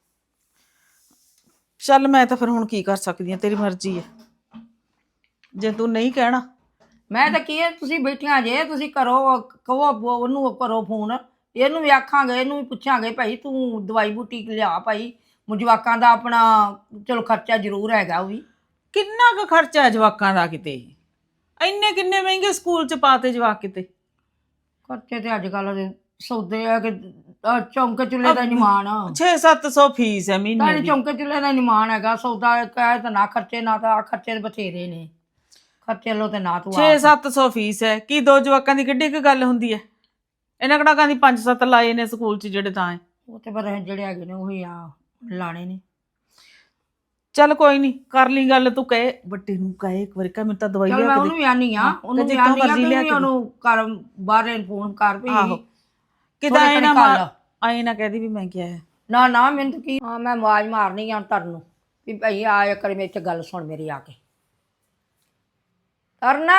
S4: ਚੱਲ ਮੈਂ ਤਾਂ ਫਿਰ ਹੁਣ ਕੀ ਕਰ ਸਕਦੀ ਆ, ਤੇਰੀ ਮਰਜ਼ੀ ਹੈ। ਜੇ ਤੂੰ ਨਹੀਂ ਕਹਿਣਾ।
S6: ਮੈਂ ਤਾਂ ਕੀ ਹੈ, ਤੁਸੀਂ ਬੈਠੀਆਂ ਜੇ, ਤੁਸੀਂ ਕਰੋ, ਕਹੋ ਉਹਨੂੰ ਕਰੋ ਫੋਨ। ਇਹਨੂੰ ਵੀ ਆਖਾਂਗੇ, ਇਹਨੂੰ ਵੀ ਪੁੱਛਾਂਗੇ ਭਾਈ ਤੂੰ ਦਵਾਈ ਬੂਟੀ ਲਿਆ ਭਾਈ। ਜਵਾਕਾਂ ਦਾ ਆਪਣਾ ਚਲੋ ਖਰਚਾ ਜ਼ਰੂਰ ਹੈਗਾ। ਉਹ ਵੀ
S4: ਕਿੰਨਾ ਕੁ ਖਰਚਾ ਹੈ ਜਵਾਕਾਂ ਦਾ ਕਿਤੇ? ਇੰਨੇ ਕਿੰਨੇ ਮਹਿੰਗੇ ਸਕੂਲ 'ਚ ਪਾਤੇ ਜਵਾਕ ਕਿਤੇ।
S6: ਖਰਚੇ ਤੇ ਅੱਜ ਕੱਲ੍ਹ ਸੌਦੇ ਆ ਕਿ ਆਹ ਚੌਂਕੇ ਚੁੱਲ੍ਹੇ ਦਾ ਨਿਮਾਣ।
S4: ਛੇ ਸੱਤ ਸੌ ਫੀਸ ਹੈ ਮਹੀਨੇ
S6: ਤਾਂ
S4: ਦੀ।
S6: ਚੌਂਕੇ ਚੁੱਲ੍ਹੇ ਦਾ ਨਿਮਾਣ ਹੈਗਾ। ਸੌਦਾ ਕਹਿ ਤਾਂ ਨਾ ਖਰਚੇ, ਨਾ ਤਾਂ ਆਹ ਖਰਚੇ ਬਥੇਰੇ ਨੇ। ਖਰਚੇ ਲੋ ਤੇ ਨਾ ਤੂੰ
S4: ਛੇ ਸੱਤ ਸੌ ਫੀਸ ਹੈ। ਕੀ ਦੋ ਜਵਾਕਾਂ ਦੀ ਕਿੱਡੀ ਕੁ ਗੱਲ ਹੁੰਦੀ ਹੈ? ਇਹਨਾਂ ਕਿਹੜਾ ਕਹਿੰਦੀ ਪੰਜ ਸੱਤ ਲਾਏ ਨੇ ਸਕੂਲ 'ਚ ਜਿਹੜੇ ਤਾਂ ਹੈ।
S6: ਉਹ ਤੇ ਪਰ ਜਿਹੜੇ ਹੈਗੇ ਨੇ ਉਹੀ ਆ ਲਾਣੇ ਨੇ।
S4: ਚੱਲ ਕੋਈ ਨਹੀਂ, ਕਰ ਲਈ ਗੱਲ। ਤੂੰ ਕਹੇ ਵੱਡੀ ਨੂੰ, ਕਹੇ ਇੱਕ ਵਾਰੀ ਕਹ ਮੈਨੂੰ ਤਾਂ ਦਵਾਈ
S6: ਚੱਲ
S4: ਲਿਆ
S6: ਮੈਂ
S4: ਕੇ
S6: ਉਹਨੂੰ
S4: ਦੇ।
S6: ਵੀ ਆਨੀ ਆ, ਉਹਨੂੰ ਵੀ
S4: ਜਿੱਥੋਂ
S6: ਆਨੀ ਆ
S4: ਮਰਜ਼ੀ ਲਿਆ
S6: ਕਿ
S4: ਕੇ
S6: ਉਹਨੂੰ ਕਰ ਬਾਹਰ ਫੋਨ ਕਰ ਵੀ
S4: ਆਹੋ, ਕਿਦਾਂ
S6: ਥੋੜ੍ਹੇ
S4: ਆਏ ਨਾ
S6: ਘੜੀ ਘੱਲ।
S4: ਆਏ ਨਾ ਕਹਦੀ ਵੀ ਮੈਂ ਕਿਹਾ ਹੈ।
S6: ਨਾ ਨਾ ਮੈਨੂੰ ਤਾਂ ਕੀ, ਹਾਂ ਮੈਂ ਆਵਾਜ਼ ਮਾਰਨੀ ਆ ਤੁਹਾਨੂੰ ਵੀ ਭਾਈ ਆ ਕਰ ਮੇਰੇ 'ਚ ਗੱਲ ਸੁਣ ਮੇਰੀ ਆ ਕੇ। ਕਰਨਾ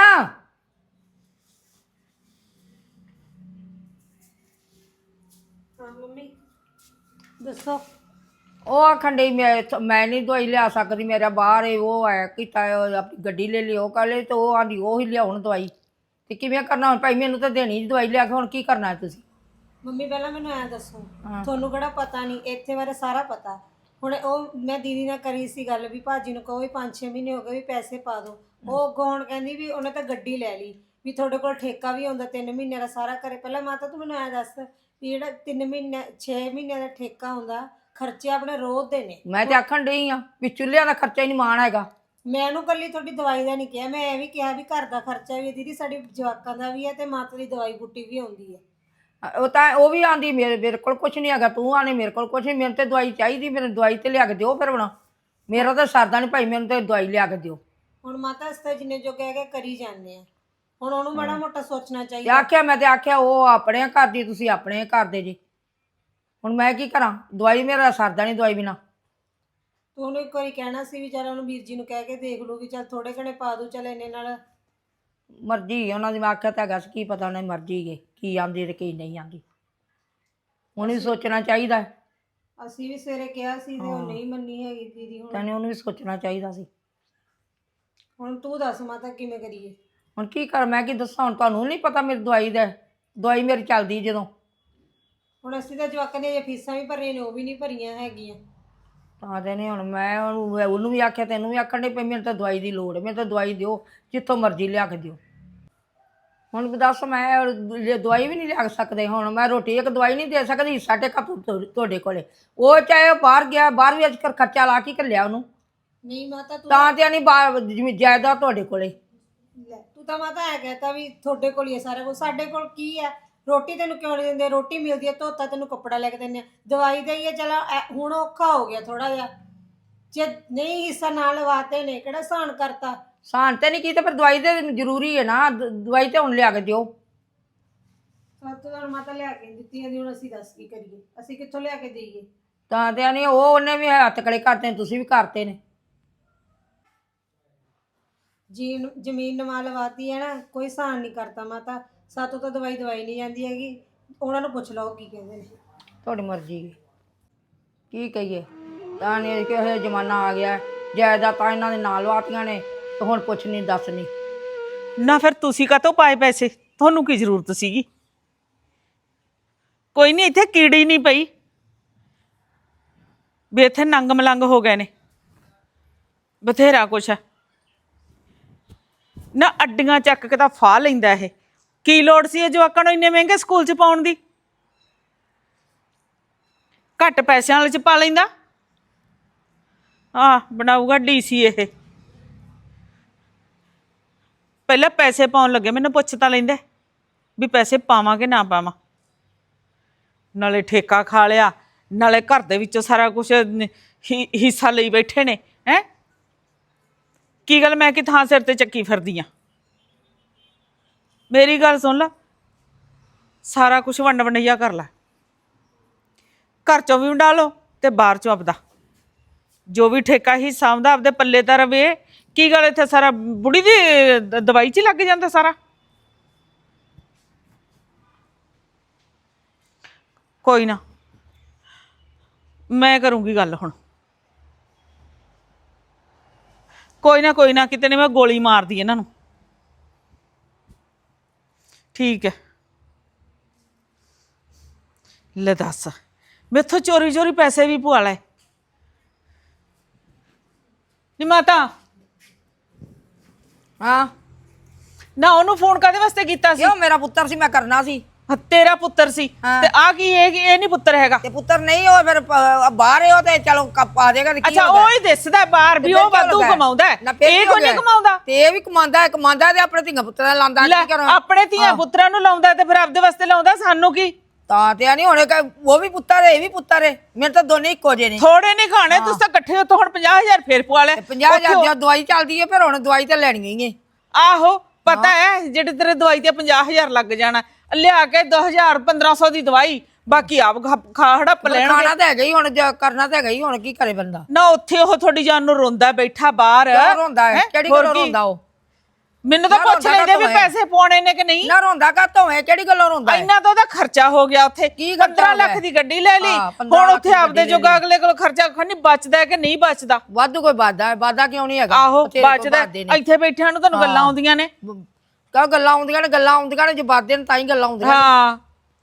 S1: ਹਾਂ ਮੰਮੀ ਦੱਸੋ।
S6: ਉਹ ਆਖਣ ਡਈ ਮੈਂ ਇੱਥੋਂ- ਮੈਂ ਨਹੀਂ ਦਵਾਈ ਲਿਆ ਸਕਦੀ, ਮੇਰਾ ਬਾਹਰ ਏ ਉਹ ਹੈ ਕੀਤਾ ਉਹ ਆਪਣੀ ਗੱਡੀ ਲੈ ਲਈ ਉਹ ਕਰ ਲਈ ਤੇ ਉਹ ਆਂਦੀ ਉਹ ਹੀ ਲਿਆਉਣ ਦਵਾਈ ਤੇ ਕਿਵੇਂ ਕਰਨਾ ਹੁਣ ਭਾਈ ਮੈਨੂੰ ਤਾਂ ਦੇਣੀ ਜੀ ਦਵਾਈ ਲਿਆ ਕੇ, ਹੁਣ ਕੀ ਕਰਨਾ ਹੈ ਤੁਸੀਂ?
S1: ਮੰਮੀ ਪਹਿਲਾਂ ਮੈਨੂੰ ਐਂ ਦੱਸੋ, ਤੁਹਾਨੂੰ ਕਿਹੜਾ ਪਤਾ ਨਹੀਂ, ਇੱਥੇ ਬਾਰੇ ਸਾਰਾ ਪਤਾ। ਹੁਣ ਉਹ ਮੈਂ ਦੀਦੀ ਨਾਲ ਕਰੀ ਸੀ ਗੱਲ ਵੀ ਭਾਜੀ ਨੂੰ ਕਹੋ ਵੀ ਪੰਜ ਛੇ ਮਹੀਨੇ ਹੋ ਗਏ ਵੀ ਪੈਸੇ ਪਾ ਦਿਓ। ਉਹ ਅੱਗੋਂ ਹੁਣ ਕਹਿੰਦੀ ਵੀ ਉਹਨੇ ਤਾਂ ਗੱਡੀ ਲੈ ਲਈ, ਵੀ ਤੁਹਾਡੇ ਕੋਲ ਠੇਕਾ ਵੀ ਹੁੰਦਾ ਤਿੰਨ ਮਹੀਨਿਆਂ ਦਾ ਸਾਰਾ ਕਰੇ। ਪਹਿਲਾਂ ਮਾਤਾ ਤੂੰ ਮੈਨੂੰ ਐਂ ਦੱਸ ਵੀ ਜਿਹੜਾ ਤਿੰਨ ਮਹੀਨੇ ਛੇ ਮਹੀਨਿਆਂ ਦਾ ਠੇਕਾ ਹੁੰਦਾ, ਖਰਚੇ ਆਪਣੇ ਰੋਜ਼ ਦੇ ਨੇ।
S6: ਮੈਂ ਤੇ ਆਖਣ ਡਈ ਆ ਵੀ ਚੁੱਲ੍ਹਿਆਂ ਦਾ ਖਰਚਾ ਹੀ ਨਹੀਂ ਮਾਣ ਹੈਗਾ।
S1: ਮੈਂ ਉਹਨੂੰ ਕੱਲੀ ਤੁਹਾਡੀ ਦਵਾਈ ਦਾ ਨਹੀਂ ਕਿਹਾ, ਮੈਂ ਇਹ ਵੀ ਕਿਹਾ ਵੀ ਘਰ ਦਾ ਖਰਚਾ ਵੀ ਹੈ ਦੀਦੀ, ਸਾਡੀ ਜਵਾਕਾਂ ਦਾ ਵੀ ਹੈ ਤੇ ਮਾਤਾ ਦੀ ਦਵਾਈ ਬੂਟੀ ਵੀ ਆਉਂਦੀ ਹੈ।
S6: ਉਹ ਤਾਂ ਉਹ ਵੀ ਆਂਦੀ ਮੇਰੇ ਮੇਰੇ ਕੋਲ ਕੁਛ ਨਹੀਂ ਹੈਗਾ, ਤੂੰ ਆਨੇ ਮੇਰੇ ਕੋਲ ਕੁਛ ਨਹੀਂ, ਮੈਨੂੰ ਤੇ ਦਵਾਈ ਚਾਹੀਦੀ, ਮੈਨੂੰ ਦਵਾਈ ਤੇ ਲਿਆ ਕੇ ਦਿਓ। ਫਿਰ ਹੁਣ ਮੇਰਾ ਤਾਂ ਸਰਦਾ ਨਹੀਂ ਭਾਈ, ਮੈਨੂੰ ਤੇ ਦਵਾਈ ਲਿਆ ਕੇ ਦਿਓ।
S1: ਹੁਣ ਮਾਤਾ ਇਸ ਤਾਂ ਜਿੰਨੇ ਜੋ ਕਹਿ ਕੇ ਕਰੀ ਜਾਂਦੇ ਆ, ਹੁਣ ਉਹਨੂੰ ਮਾੜਾ ਮੋਟਾ ਸੋਚਣਾ
S6: ਤੇ
S1: ਚਾਹੀਦਾ।
S6: ਆਖਿਆ ਮੈਂ ਤੇ ਆਖਿਆ ਉਹ ਆਪਣੇ ਘਰ ਦੀ, ਤੁਸੀਂ ਆਪਣੇ ਘਰ ਦੇ ਜੀ। ਹੁਣ ਮੈਂ ਕੀ ਕਰਾਂ, ਦਵਾਈ ਮੇਰਾ ਸਰਦਾ ਨਹੀਂ ਦਵਾਈ ਬਿਨਾ।
S1: ਤੂੰ ਉਹਨੂੰ ਇੱਕ ਵਾਰੀ ਕਹਿਣਾ ਸੀ ਵੀ ਚੱਲ ਉਹਨੂੰ ਵੀਰ ਜੀ ਨੂੰ ਕਹਿ ਕੇ ਦੇਖ ਲੂ ਵੀ ਚੱਲ ਥੋੜੇ ਘਣੇ ਪਾ ਦੂ, ਚੱਲ ਇੰਨੇ ਨਾਲ।
S6: ਮਰਜ਼ੀ ਉਹਨਾਂ ਦੀ, ਮੈਂ ਆਖਿਆ ਤਾਂ ਹੈਗਾ ਸੀ, ਕੀ ਪਤਾ ਉਹਨੇ ਮਰਜ਼ੀ ਹੈ ਕੀ ਆਂਦੀ ਤੇ ਕੀ ਨਹੀਂ ਆਂਦੀ। ਹੁਣ ਵੀ ਸੋਚਣਾ ਚਾਹੀਦਾ ਹੈ।
S1: ਅਸੀਂ ਵੀ ਸਵੇਰੇ ਕਿਹਾ ਸੀ ਤੇ ਉਹ ਨਹੀਂ ਮੰਨੀ ਹੈਗੀ ਦੀਦੀ। ਹੁਣ
S6: ਤੈਨੂੰ ਉਹਨੂੰ ਵੀ ਸੋਚਣਾ ਚਾਹੀਦਾ ਸੀ।
S1: ਹੁਣ ਤੂੰ ਦੱਸ ਮਾਤਾ ਕਿਵੇਂ ਕਰੀਏ?
S6: ਹੁਣ ਕੀ ਕਰ, ਮੈਂ ਕੀ ਦੱਸਾਂ, ਹੁਣ ਤੁਹਾਨੂੰ ਨਹੀਂ ਪਤਾ ਮੇਰੀ ਦਵਾਈ ਦਾ, ਦਵਾਈ ਮੇਰੀ ਚੱਲਦੀ ਜਦੋਂ।
S1: ਹੁਣ ਅਸੀਂ ਤਾਂ ਜਵਾਕਾਂ ਦੀਆਂ ਫੀਸਾਂ ਵੀ ਭਰੀਆਂ ਨੇ, ਉਹ ਵੀ ਨਹੀਂ ਭਰੀਆਂ ਹੈਗੀਆਂ।
S6: ਤਾਂ ਦੇ ਨੇ ਹੁਣ ਮੈਂ ਉਹਨੂੰ ਉਹਨੂੰ ਵੀ ਆਖਿਆ, ਤੈਨੂੰ ਵੀ ਆਖਣ ਦੇ ਪਈ ਮੈਨੂੰ ਤਾਂ ਦਵਾਈ ਦੀ ਲੋੜ ਹੈ, ਮੈਨੂੰ ਤਾਂ ਦਵਾਈ ਦਿਓ ਜਿੱਥੋਂ ਮਰਜ਼ੀ ਲਿਆ ਕੇ ਦਿਓ। ਹੁਣ ਦੱਸ ਮੈਂ ਦਵਾਈ ਵੀ ਨਹੀਂ ਲਿਆ ਸਕਦੇ, ਹੁਣ ਮੈਂ ਰੋਟੀ ਇੱਕ ਦਵਾਈ ਨਹੀਂ ਦੇ ਸਕਦੀ। ਸਾਡੇ ਘਰ ਤੁਹਾਡੇ ਕੋਲੇ ਉਹ ਚਾਹੇ ਉਹ ਬਾਹਰ ਗਿਆ, ਬਾਹਰ ਵੀ ਅੱਜ ਕੱਲ੍ਹ ਖਰਚਾ ਲਾ ਕੇ ਘੱਲਿਆ ਉਹਨੂੰ।
S1: ਨਹੀਂ ਮਾਤਾ ਤੂੰ
S6: ਤਾਂ ਤੇ ਨਹੀਂ ਬਾਹਰ ਜਿਵੇਂ ਜਾਇਦਾਦ ਤੁਹਾਡੇ ਕੋਲੇ।
S1: ਲੈ, ਤੂੰ ਤਾਂ ਮਾਤਾ ਐ ਕਹਤਾ ਵੀ ਤੁਹਾਡੇ ਕੋਲ ਹੀ ਹੈ ਸਾਰਾ ਕੁਝ, ਸਾਡੇ ਕੋਲ ਕੀ ਹੈ? ਰੋਟੀ ਤੈਨੂੰ ਕਿਉਂ ਨਹੀਂ ਦਿੰਦੇ? ਰੋਟੀ ਮਿਲਦੀ ਹੈ, ਧੋਤਾ ਤੈਨੂੰ ਕੱਪੜਾ ਲੈ ਕੇ ਦਿੰਦੇ ਆ, ਦਵਾਈ ਦਾ ਹੀ ਹੈ। ਚਲ ਹੁਣ ਔਖਾ ਹੋ ਗਿਆ ਥੋੜਾ ਜਿਹਾ, ਜੇ ਨਹੀਂ ਹਿੱਸਾ ਨਾਲ ਲਵਾਤੇ ਨੇ ਕਿਹੜਾ ਸਹਾਨ ਕਰਤਾ।
S6: ਸਾਨ ਤੇ ਨਹੀਂ ਕੀਤਾ, ਪਰ ਦਵਾਈ ਤੇ ਜ਼ਰੂਰੀ ਹੈ ਨਾ, ਦ- ਦਵਾਈ ਤੇ ਹੁਣ ਲਿਆ ਕੇ ਦਿਓ।
S1: ਸਭ ਤੋਂ ਮਾਤਾ ਲਿਆ ਕੇ ਨੀ ਦਿੱਤੀ ਜਾਂਦੀ, ਹੁਣ ਅਸੀਂ ਦੱਸ ਕੀ ਕਰੀਏ? ਅਸੀਂ ਕਿੱਥੋਂ ਲਿਆ ਕੇ ਦੇਈਏ?
S6: ਤਾਂ ਤੇ ਨਹੀਂ ਉਹ ਉਹਨੇ ਵੀ ਹੱਥ ਕਲੇ ਕਰਤੇ ਨੇ, ਤੁਸੀਂ ਵੀ ਕਰਤੇ ਨੇ।
S1: ਜੀ ਜ਼ਮੀਨ ਨਵਾ ਲਵਾਤੀ ਹੈ ਨਾ, ਕੋਈ ਸਹਾਨ ਨਹੀਂ ਕਰਤਾ ਮਾਤਾ। ਸਾਤੋਂ ਤਾਂ ਦਵਾਈ ਦਵਾਈ ਨਹੀਂ ਜਾਂਦੀ ਹੈਗੀ, ਉਹਨਾਂ ਨੂੰ ਪੁੱਛ ਲਓ ਕੀ ਕਹਿੰਦੇ ਨੇ।
S6: ਤੁਹਾਡੀ ਮਰਜ਼ੀ ਹੈ, ਕੀ ਕਹੀਏ। ਤਾਂ ਨਹੀਂ ਕਿ ਇਹ ਜ਼ਮਾਨਾ ਆ ਗਿਆ, ਜਾਇਦਾਦ ਤਾਂ ਇਹਨਾਂ ਦੇ ਨਾਲ ਵਾਤੀਆਂ ਨੇ ਤੇ ਹੁਣ ਪੁੱਛ ਨਹੀਂ ਦੱਸ ਨਹੀਂ।
S4: ਨਾ ਫਿਰ ਤੁਸੀਂ ਕਾਹਤੋਂ ਪਾਏ ਪੈਸੇ, ਤੁਹਾਨੂੰ ਕੀ ਜ਼ਰੂਰਤ ਸੀਗੀ? ਕੋਈ ਨਹੀਂ, ਇੱਥੇ ਕੀੜੀ ਨਹੀਂ ਪਈ ਵੀ ਇੱਥੇ ਨੰਗ ਮਲੰਗ ਹੋ ਗਏ ਨੇ, ਬਥੇਰਾ ਕੁਛ ਹੈ ਨਾ। ਅੱਡੀਆਂ ਚੱਕ ਕੇ ਤਾਂ ਫਾਹ ਲੈਂਦਾ ਇਹ, ਕੀ ਲੋੜ ਸੀ ਇਹ ਜਵਾਕਾਂ ਨੂੰ ਇੰਨੇ ਮਹਿੰਗੇ ਸਕੂਲ 'ਚ ਪਾਉਣ ਦੀ? ਘੱਟ ਪੈਸਿਆਂ ਵਾਲੇ 'ਚ ਪਾ ਲੈਂਦਾ। ਆ ਬਣਾਊਗਾ ਡੀਸੀ ਇਹ। ਪਹਿਲਾਂ ਪੈਸੇ ਪਾਉਣ ਲੱਗੇ ਮੈਨੂੰ ਪੁੱਛ ਤਾਂ ਲੈਂਦੇ ਵੀ ਪੈਸੇ ਪਾਵਾਂ ਕਿ ਨਾ ਪਾਵਾਂ। ਨਾਲੇ ਠੇਕਾ ਖਾ ਲਿਆ, ਨਾਲੇ ਘਰ ਦੇ ਵਿੱਚੋਂ ਸਾਰਾ ਕੁਝ ਹਿੱਸਾ ਲਈ ਬੈਠੇ ਨੇ। ਹੈ ਕੀ ਗੱਲ, ਮੈਂ ਕਿ ਥਾਂ ਸਿਰ ਤੇ ਚੱਕੀ ਫਿਰਦੀ ਆ? ਮੇਰੀ ਗੱਲ ਸੁਣ ਲਾ, ਸਾਰਾ ਕੁਝ ਵੰਡ ਵੰਡਈਆ ਕਰ ਲੈ, ਘਰ ਚੋਂ ਵੀ ਵੰਡਾ ਲਓ ਤੇ ਬਾਹਰ ਚੋਂ ਆਪਦਾ ਜੋ ਵੀ ਠੇਕਾ ਹਿੱਸਾ ਆਉਂਦਾ ਆਪਦੇ ਪੱਲੇ ਤਾਂ ਰਵੇ। ਕੀ ਗੱਲ, ਇੱਥੇ ਸਾਰਾ ਬੁੜੀ ਦੀ ਦ- ਦਵਾਈ 'ਚ ਹੀ ਲੱਗ ਜਾਂਦਾ ਸਾਰਾ। ਕੋਈ ਨਾ, ਮੈਂ ਕਰੂੰਗੀ ਗੱਲ ਹੁਣ। ਕੋਈ ਨਾ ਕੋਈ ਨਾ, ਕਿਤੇ ਨੇ ਮੈਂ ਗੋਲੀ ਮਾਰਦੀ ਇਹਨਾਂ ਨੂੰ। ਠੀਕ ਹੈ, ਲੈ ਦੱਸ, ਮੈਥੋਂ ਚੋਰੀ ਚੋਰੀ ਪੈਸੇ ਵੀ ਪਵਾ ਲੈ। ਨੀ ਮਾਤਾ,
S6: ਹਾਂ
S4: ਨਾ ਉਹਨੂੰ ਫੋਨ ਕਾਹਦੇ ਵਾਸਤੇ ਕੀਤਾ ਸੀ?
S6: ਕਿਉਂ, ਮੇਰਾ ਪੁੱਤਰ ਸੀ, ਮੈਂ ਕਰਨਾ ਸੀ।
S4: ਹਾਂ, ਤੇਰਾ ਪੁੱਤਰ ਸੀ
S6: ਹਾਂ।
S4: ਤੇ ਆ ਕੀ ਇਹ ਇਹ ਨਹੀਂ ਪੁੱਤਰ ਹੈਗਾ?
S6: ਤੇ ਪੁੱਤਰ ਨਹੀਂ ਉਹ ਫਿਰ ਪ- ਬਾਹਰ ਹੈ ਉਹ ਤੇ ਚਲੋ ਕ- ਪਾ ਦੇਗਾ।
S4: ਅੱਛਾ, ਉਹ ਹੀ ਦਿਸਦਾ ਬਾਹਰ ਵੀ ਉਹ ਵਾਧੂ ਕਮਾਉਂਦਾ ਹੈ, ਇਹ ਕੋਈ ਨਹੀਂ ਕਮਾਉਂਦਾ।
S6: ਤੇ ਇਹ ਵੀ ਕਮਾਉਂਦਾ ਹੈ, ਕਮਾਉਂਦਾ ਤੇ ਆਪਣੇ ਧੀਆਂ ਪੁੱਤਰਾਂ ਦਾ ਲਾਉਂਦਾ।
S4: ਲੈ,
S6: ਕੀ ਕਰਾਂ?
S4: ਆਪਣੇ ਧੀਆਂ ਪੁੱਤਰਾਂ ਨੂੰ ਲਾਉਂਦਾ ਤੇ ਫਿਰ ਆਪਦੇ ਵਾਸਤੇ ਲਾਉਂਦਾ, ਸਾਨੂੰ ਕੀ?
S6: ਤਾਂ ਤੇ ਨਹੀਂ ਹੁਣ ਕ- ਉਹ ਵੀ ਪੁੱਤਰ ਹੈ, ਇਹ ਵੀ ਪੁੱਤਰ ਹੈ, ਮੇਰੇ ਤਾਂ ਦੋਨੇ ਇੱਕੋ ਜਿਹੇ ਨੇ।
S4: ਥੋੜੇ ਨਹੀਂ ਖਾਣੇ, ਤੁਸੀਂ ਤਾਂ ਇਕੱਠੇ ਉੱਥੋਂ ਹੁਣ ਪੰਜਾਹ ਹਜ਼ਾਰ ਫੇਰ ਪਵਾ ਲੈ।
S6: ਪੰਜਾਹ ਹਜ਼ਾਰ ਦੀ ਦਵਾਈ ਚੱਲਦੀ ਹੈ, ਫਿਰ ਹੁਣ ਦਵਾਈ ਤਾਂ ਲੈਣੀ ਹੀ ਹੈ।
S4: ਆਹੋ ਪਤਾ ਹੈ, ਜਿਹੜੇ ਤੇਰੇ ਦਵਾਈ ਤੇ ਪੰਜਾਹ ਹਜ਼ਾਰ ਲੱਗ ਜਾਣਾ, ਲਿਆ ਕੇ ਦੋ ਹਜ਼ਾਰ ਪੰਦਰਾਂ ਸੌ ਦੀ ਦਵਾਈ, ਬਾਕੀ ਆਪ ਖਾ- ਖਾ ਹੜੱਪ ਲੈਣਗੇ।
S6: ਖਾਣਾ ਤਾਂ ਹੈਗਾ ਹੀ ਹੁਣ, ਜੇ ਕਰਨਾ ਤਾਂ ਹੈਗਾ ਹੀ ਹੁਣ, ਕੀ ਕਰੇ ਬੰਦਾ।
S4: ਨਾ ਉੱਥੇ ਉਹ ਤੁਹਾਡੀ ਜਾਨ ਨੂੰ ਰੋਂਦਾ ਬੈਠਾ ਬਾਹਰ।
S6: ਕਿਉਂ ਰੋਂਦਾ ਹੈ?
S4: ਹੈਂ?
S6: ਕਿਹੜੀ
S4: ਹੋਰ
S6: ਗੱਲੋਂ
S4: ਕੀ?
S6: ਰੋਂਦਾ ਉਹ?
S4: ਮੈਨੂੰ ਤਾਂ
S6: ਨਾ
S4: ਪੁੱਛ
S6: ਰੋਂਦਾ
S4: ਲੈਂਦੇ ਵੀ
S6: ਕਾਹਤੋਂ ਹੈ?
S4: ਪੈਸੇ ਪਾਉਣੇ ਨੇ ਕਿ ਨਹੀਂ।
S6: ਨਾ ਰੋਂਦਾ ਕਾਤੋਂ ਹੈ, ਕਿਹੜੀ ਗੱਲੋਂ ਰੋਂਦਾ ਹੈ?
S4: ਇੰਨਾ ਤਾਂ ਉਹਦਾ ਖਰਚਾ ਹੋ ਗਿਆ ਉੱਥੇ।
S6: ਕੀ ਖਰਚਾ
S4: ਪੰਦਰਾਂ
S6: ਹੋ ਗਿਆ?
S4: ਲੱਖ ਦੀ ਗੱਡੀ ਲੈ ਲਈ।
S6: ਹਾਂ, ਪੰਦਰਾਂ
S4: ਹੁਣ
S6: ਲੱਖ
S4: ਉੱਥੇ
S6: ਦੀ
S4: ਆਪਦੇ
S6: ਗੱਡੀ ਲੈ
S4: ਜੋਗਾ
S6: ਲਈ।
S4: ਅਗਲੇ ਕੋਲ ਖਰਚਾ ਖਣੀ ਬਚਦਾ ਹੈ ਕਿ ਨਹੀਂ ਬਚਦਾ।
S6: ਵਾਧੂ ਕੋਈ ਵਾਦਾ ਹੈ, ਵਾਦਾ ਕਿਉਂ ਨਹੀਂ ਹੈਗਾ?
S4: ਆਹੋ
S6: ਬਥੇਰੇ ਕੋਈ
S4: ਬਚਦਾ।
S6: ਵਾਧੇ ਨੇ।
S4: ਇੱਥੇ ਬੈਠਿਆਂ ਨੂੰ ਤੁਹਾਨੂੰ ਗੱਲਾਂ ਆਉਂਦੀਆਂ ਨੇ।
S6: ਕਾ ਗੱਲਾਂ ਆਉਂਦੀਆਂ ਨੇ, ਗੱਲਾਂ ਆਉਂਦੀਆਂ ਨੇ, ਜੇ ਵਾਦੇ ਨੇ ਤਾਂ ਹੀ ਗੱਲਾਂ ਆਉਂਦੀਆਂ ਨੇ।
S4: ਹਾਂ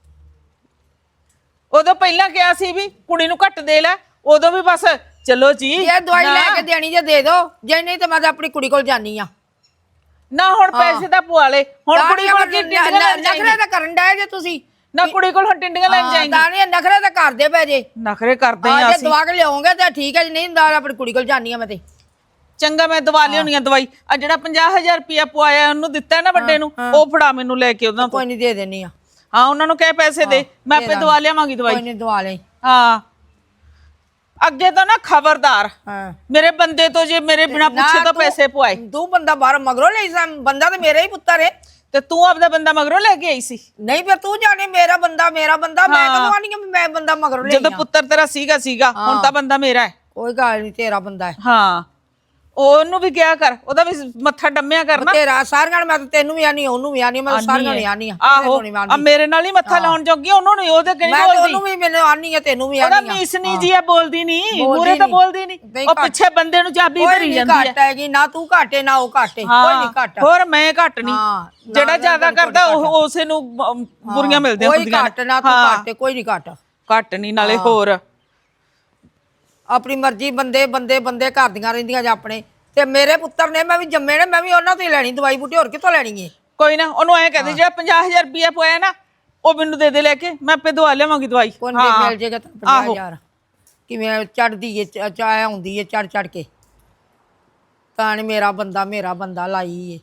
S4: ਉਦੋਂ ਪਹਿਲਾਂ ਕਿਹਾ ਸੀ ਵੀ ਕੁੜੀ ਨੂੰ ਘੱਟ ਦੇ ਲੈ, ਉਦੋਂ ਵੀ ਬਸ ਚਲੋ ਜੀ।
S6: ਜੇ ਦਵਾਈ
S4: ਨਾ-
S6: ਲੈ ਕੇ ਦੇਣੀ ਜੇ ਦੇ ਦੋ, ਜੇ ਨਹੀਂ ਤਾਂ ਮੈਂ ਤਾਂ ਆਪਣੀ ਕੁੜੀ ਕੋਲ ਜਾਨੀ ਆ।
S4: ਨਾ ਹੁਣ ਪੈਸੇ ਤਾਂ ਪਵਾ ਲੈ। ਹੁਣ ਕੁੜੀ ਕੋਲ ਕੀ ਟਿੰਡੀਆਂ ਲੈਣ
S6: ਨਖਰੇ
S4: ਜਾਏਂਗੀ?
S6: ਤਾਂ ਕਰਨ ਡਏ ਜੇ ਤੁਸੀਂ।
S4: ਨਾ ਕੁੜੀ ਕੋਲ ਹੁਣ ਟਿੰਡੀਆਂ ਲੈਣ
S6: ਹਾਂ,
S4: ਜਾਏਂਗੀ।
S6: ਤਾਂ ਨਹੀਂ ਨਖਰੇ ਤਾਂ ਕਰਦੇ ਪਏ ਜੇ।
S4: ਨਖਰੇ ਕਰਦੇ
S6: ਆ
S4: ਆ
S6: ਜੇ
S4: ਅਸੀਂ।
S6: ਦਵਾ ਕੇ ਲਿਆਉਂਗੇ ਤਾਂ ਠੀਕ ਹੈ, ਜੇ ਨਹੀਂ ਤਾਂ ਆਪਣੀ ਕੁੜੀ ਕੋਲ ਜਾਨੀ ਆ ਮੈਂ ਤੇ।
S4: ਚੰਗਾ ਮੈਂ ਦਵਾ ਲਿਆਉਣੀ ਆ ਦਵਾਈ। ਆ ਜਿਹੜਾ ਪੰਜਾਹ ਹਜ਼ਾਰ ਰੁਪਇਆ ਪਵਾਇਆ ਉਹਨੂੰ ਦਿੱਤਾ ਨਾ ਵੱਡੇ ਨੂੰ, ਉਹ ਫੜਾ ਮੈਨੂੰ ਲੈ ਕੇ ਉਹਨਾਂ ਤੋਂ।
S6: ਕੋਈ ਨਹੀਂ ਦੇ ਦੇਣੀ ਆ।
S4: ਹਾਂ ਉਹਨਾਂ ਨੂੰ ਕਹਿ ਪੈਸੇ ਦੇ, ਮੈਂ ਆਪੇ ਦਵਾ ਲਿਆਵਾਂਗੀ
S6: ਕੋਈ
S4: ਦਵਾਈ।
S6: ਨਹੀਂ ਦਵਾ ਲੈ।
S4: ਹਾਂ ਅੱਗੇ ਤਾਂ ਨਾ ਖਬਰਦਾਰ
S6: ਹਾਂ
S4: ਮੇਰੇ ਬੰਦੇ ਤੋਂ ਜੇ ਮੇਰੇ ਬਿਨਾ ਪੁੱਛੇ
S6: ਨਾ
S4: ਤਾਂ
S6: ਤੂੰ-
S4: ਪੈਸੇ ਪਵਾਏ।
S6: ਤੂੰ ਬੰਦਾ ਬਾਹਰ ਮਗਰੋਂ ਲਈ ਸਾਂ, ਬੰਦਾ ਤਾਂ ਮੇਰਾ ਹੀ ਪੁੱਤਰ ਹੈ।
S4: ਤੇ ਤੂੰ ਆਪਦਾ ਬੰਦਾ ਮਗਰੋਂ ਲੈ ਕੇ ਆਈ ਸੀ।
S6: ਨਹੀਂ ਫਿਰ ਤੂੰ ਜਾਣੇ ਮੇਰਾ ਬੰਦਾ ਮੇਰਾ ਬੰਦਾ, ਮੈਂ
S4: ਹਾਂ।
S6: ਕਦੋਂ ਆਣੀ ਮੈਂ ਬੰਦਾ ਮਗਰੋਂ ਲਈ
S4: ਜਦੋਂ ਪੁੱਤਰ ਤੇਰਾ ਸੀਗਾ ਸੀਗਾ ਹੁਣ ਤਾਂ ਬੰਦਾ ਮੇਰਾ ਹੈ।
S6: ਕੋਈ ਗੱਲ ਨਹੀਂ, ਤੇਰਾ ਬੰਦਾ ਹੈ।
S4: ਹਾਂ ਉਹਨੂੰ ਵੀ ਕਿਹਾ ਕਰ, ਉਹਦਾ ਵੀ ਮੱਥਾ ਡੰਮਿਆ ਕਰਨਾ।
S6: ਤੇਰਾ ਸਾਰਿਆਂ ਨਾਲ ਮੈਂ ਤਾਂ ਤੈਨੂੰ ਵੀ ਆਨੀ, ਉਹਨੂੰ ਵੀ ਆਨੀ, ਮੈਂ ਤਾਂ ਸਾਰਿਆਂ ਨੂੰ ਆਨੀ ਆ।
S4: ਆਹੋ ਆ ਮੇਰੇ ਨਾਲ ਹੀ ਮੱਥਾ ਲਾਉਣ ਜੋਗੀ, ਉਹਨੂੰ ਨਹੀਂ। ਉਹਦੇ ਕਿਹੜੀ
S6: ਮੈਂ ਤਾਂ
S4: ਬੋਲਦੀ,
S6: ਉਹਨੂੰ ਵੀ ਮੈਨੂੰ ਆਨੀ ਆ, ਤੈਨੂੰ ਵੀ
S4: ਉਹਦਾ
S6: ਆਨੀ ਆ।
S4: ਮੀਸ ਨਹੀਂ ਜੀ ਆ, ਬੋਲਦੀ ਨਹੀਂ
S6: ਬੋਲਦੀ
S4: ਮੂਰੇ ਤਾਂ
S6: ਨੀ।
S4: ਬੋਲਦੀ ਨਹੀਂ।
S6: ਨਹੀਂ
S4: ਉਹ
S6: ਘੱਟ।
S4: ਪਿੱਛੇ ਬੰਦੇ ਨੂੰ ਚਾਬੀ
S6: ਕੋਈ
S4: ਭਰੀ
S6: ਨਹੀਂ
S4: ਜਾਂਦੀ
S6: ਘੱਟ
S4: ਹੈ।
S6: ਹੈਗੀ, ਨਾ ਤੂੰ ਘਾਟੇ ਨਾ ਉਹ ਘਾਟੇ, ਕੋਈ
S4: ਹਾਂ
S6: ਨਹੀਂ ਘੱਟ।
S4: ਹੋਰ ਮੈਂ ਘੱਟ ਨਹੀਂ।
S6: ਹਾਂ, ਨਾ,
S4: ਜਿਹੜਾ
S6: ਨਾ,
S4: ਜ਼ਿਆਦਾ
S6: ਕੋਈ
S4: ਕਰਦਾ ਉਹ
S6: ਘੱਟ।
S4: ਉਸੇ ਨੂੰ ਅਮ, ਬੁਰੀਆਂ ਮਿਲਦੀਆਂ
S6: ਕੋਈ
S4: ਹੁੰਦੀਆਂ
S6: ਘੱਟ ਨਾ ਤੂੰ ਘਾਟੇ, ਕੋਈ ਨਹੀਂ ਘੱਟ।
S4: ਘੱਟ ਨਹੀਂ ਨਾਲੇ ਹੋਰ
S6: ਆਪਣੀ ਮਰਜ਼ੀ ਬੰਦੇ ਬੰਦੇ ਬੰਦੇ ਕਰਦੀਆਂ ਰਹਿੰਦੀਆਂ ਜਾਂ ਆਪਣੇ। ਤੇ ਮੇਰੇ ਪੁੱਤਰ ਨੇ, ਮੈਂ ਵੀ ਜੰਮੇ ਨੇ, ਮੈਂ ਵੀ ਉਹਨਾਂ ਤੋਂ ਹੀ ਲੈਣੀ ਦਵਾਈ ਬੂਟੀ, ਹੋਰ ਕਿੱਥੋਂ ਲੈਣੀ ਏ?
S4: ਕੋਈ ਨਾ ਉਹਨੂੰ ਐ ਕਹਦੇ ਜਿਹੜਾ ਪੰਜਾਹ ਹਜ਼ਾਰ ਰੁਪਇਆ ਪਵਾਇਆ ਨਾ ਉਹ ਮੈਨੂੰ ਦੇ ਦੇ ਲੈ ਕੇ, ਮੈਂ ਆਪੇ ਦਵਾ ਲਿਆਵਾਂਗੀ ਦਵਾਈ।
S6: ਕੋਈ ਨਹੀਂ ਮਿਲ ਜੇਗਾ ਤਾਂ ਪੰਜਾਹ ਹਜ਼ਾਰ। ਕਿਵੇਂ ਚੜਦੀ ਏ, ਚਾਹ ਆਉਂਦੀ ਏ ਚੜ ਚੜ ਕੇ। ਤਾਂ ਨੀ ਮੇਰਾ ਬੰਦਾ ਮੇਰਾ ਬੰਦਾ ਲਾਈ ਏ।